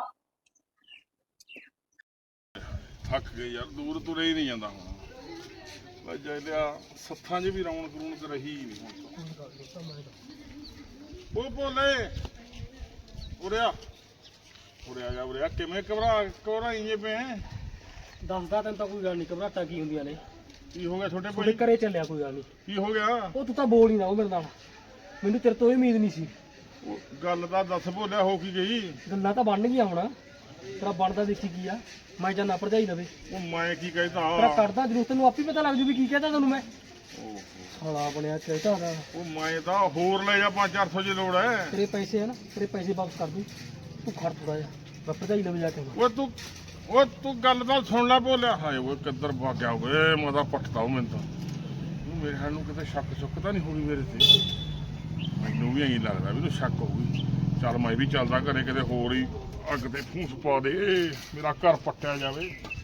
Speaker 1: ਥੱਕ ਗਏ ਯਾਰ ਦੂਰ ਤੁਰੇ ਹੀ ਨਹੀਂ ਜਾਂਦਾ ਹੁਣ ਵਜਾ ਲਿਆ ਸੱਥਾਂ 'ਚ ਵੀ ਰੌਣਕ ਰੌਣਕ ਰਹੀ ਨਹੀਂ ਹੁਣ ਤਾਂ। ਉਹ ਬੋਲੇ ਉਰਿਆ ਉਰਿਆ ਜਾ ਉਰਿਆ ਕਿਵੇਂ ਘਬਰਾ ਘਬਰਾਈ ਜੇ ਪਏ ਹੈਂ?
Speaker 5: ਦੱਸਦਾ ਤੈਨੂੰ ਤਾਂ ਕੋਈ ਗੱਲ ਨਹੀਂ ਘਬਰਾਟਾ ਕੀ ਹੁੰਦੀਆਂ ਨੇ।
Speaker 1: ਕੀ ਹੋ ਗਿਆ ਛੋਟੇ
Speaker 5: ਤੁਹਾਡੇ
Speaker 1: ਭਾਈ
Speaker 5: ਘਰੇ ਚੱਲਿਆ ਕੋਈ ਗੱਲ ਨਹੀਂ।
Speaker 1: ਕੀ ਹੋ ਗਿਆ
Speaker 5: ਉਹ ਤੂੰ ਤਾਂ ਬੋਲ ਹੀ ਨਾ ਉਹ ਮੇਰੇ ਨਾਲ ਮੈਨੂੰ ਤੇਰੇ ਤੋਂ ਇਹ ਉਮੀਦ ਨਹੀਂ ਸੀ।
Speaker 1: ਉਹ ਗੱਲ ਤਾਂ ਦੱਸ ਬੋਲਿਆ ਹੋ ਕੀ ਗਈ।
Speaker 5: ਗੱਲਾਂ ਤਾਂ ਬਣ ਗਈਆਂ ਹੁਣ ਤੇਰਾ ਬਣਦਾ ਦੇਖੀ ਕੀ ਆ ਮੈਂ ਜਾਨਾ ਭਰਜਾਈ ਲਵੇ
Speaker 1: ਉਹ ਮੈਂ ਕੀ ਕਹਿਤਾ
Speaker 5: ਤੇਰਾ ਕਰਦਾ ਜਰੂਰ ਤੈਨੂੰ ਆਪੇ ਪਤਾ ਲੱਗ ਜੂ ਵੀ ਕੀ ਕਹਤਾ ਤੈਨੂੰ ਮੈਂ।
Speaker 1: ਓਹੋ,
Speaker 5: ਸਾਲਾ ਬਣਿਆ ਚਾਹੀਦਾ ਦਾ
Speaker 1: ਉਹ ਮੈਂ ਤਾਂ ਹੋਰ ਲੈ ਜਾ ਪੰਜ ਚਾਰ ਸੌ ਜੇ ਲੋੜ ਹੈ।
Speaker 5: ਤੇਰੇ ਪੈਸੇ ਆ ਨਾ ਤੇਰੇ ਪੈਸੇ ਵਾਪਸ ਕਰ ਦੂੰ ਤੂੰ ਖੜ ਥੋੜਾ ਜਿਹਾ ਮੈਂ ਭਰਜਾਈ ਲਵੇ ਜਾ ਕੇ ਆਉਣਾ।
Speaker 1: ਉਹ ਤੂੰ ਉਹ ਤੂੰ ਗੱਲ ਤਾਂ ਸੁਣ ਲੈ ਬੋਲਿਆ ਹਾਏ ਓਏ ਕਿੱਧਰ ਭੱਗ ਗਿਆ ਓਏ ਮੈਂ ਤਾਂ ਪਟਦਾ ਉਹ ਮੈਨੂੰ ਤਾਂ ਉਹ ਮੇਰੇ ਹਾਲ ਨੂੰ ਕਿਤੇ ਸ਼ੱਕ ਸ਼ੁੱਕ ਤਾਂ ਨਹੀਂ ਹੋਈ ਮੇਰੇ ਤੇ ਮੈਨੂੰ ਵੀ ਐਂ ਲੱਗਦਾ ਵੀ ਤੂੰ ਸ਼ੱਕ ਹੋਊਗੀ। ਚੱਲ ਮੈਂ ਵੀ ਚੱਲਦਾ ਘਰੇ ਕਿਤੇ ਹੋਰ ਹੀ ਅੱਗ ਤੇ ਫੂਸ ਪਾ ਦੇ ਮੇਰਾ ਘਰ ਪੱਟਿਆ ਜਾਵੇ।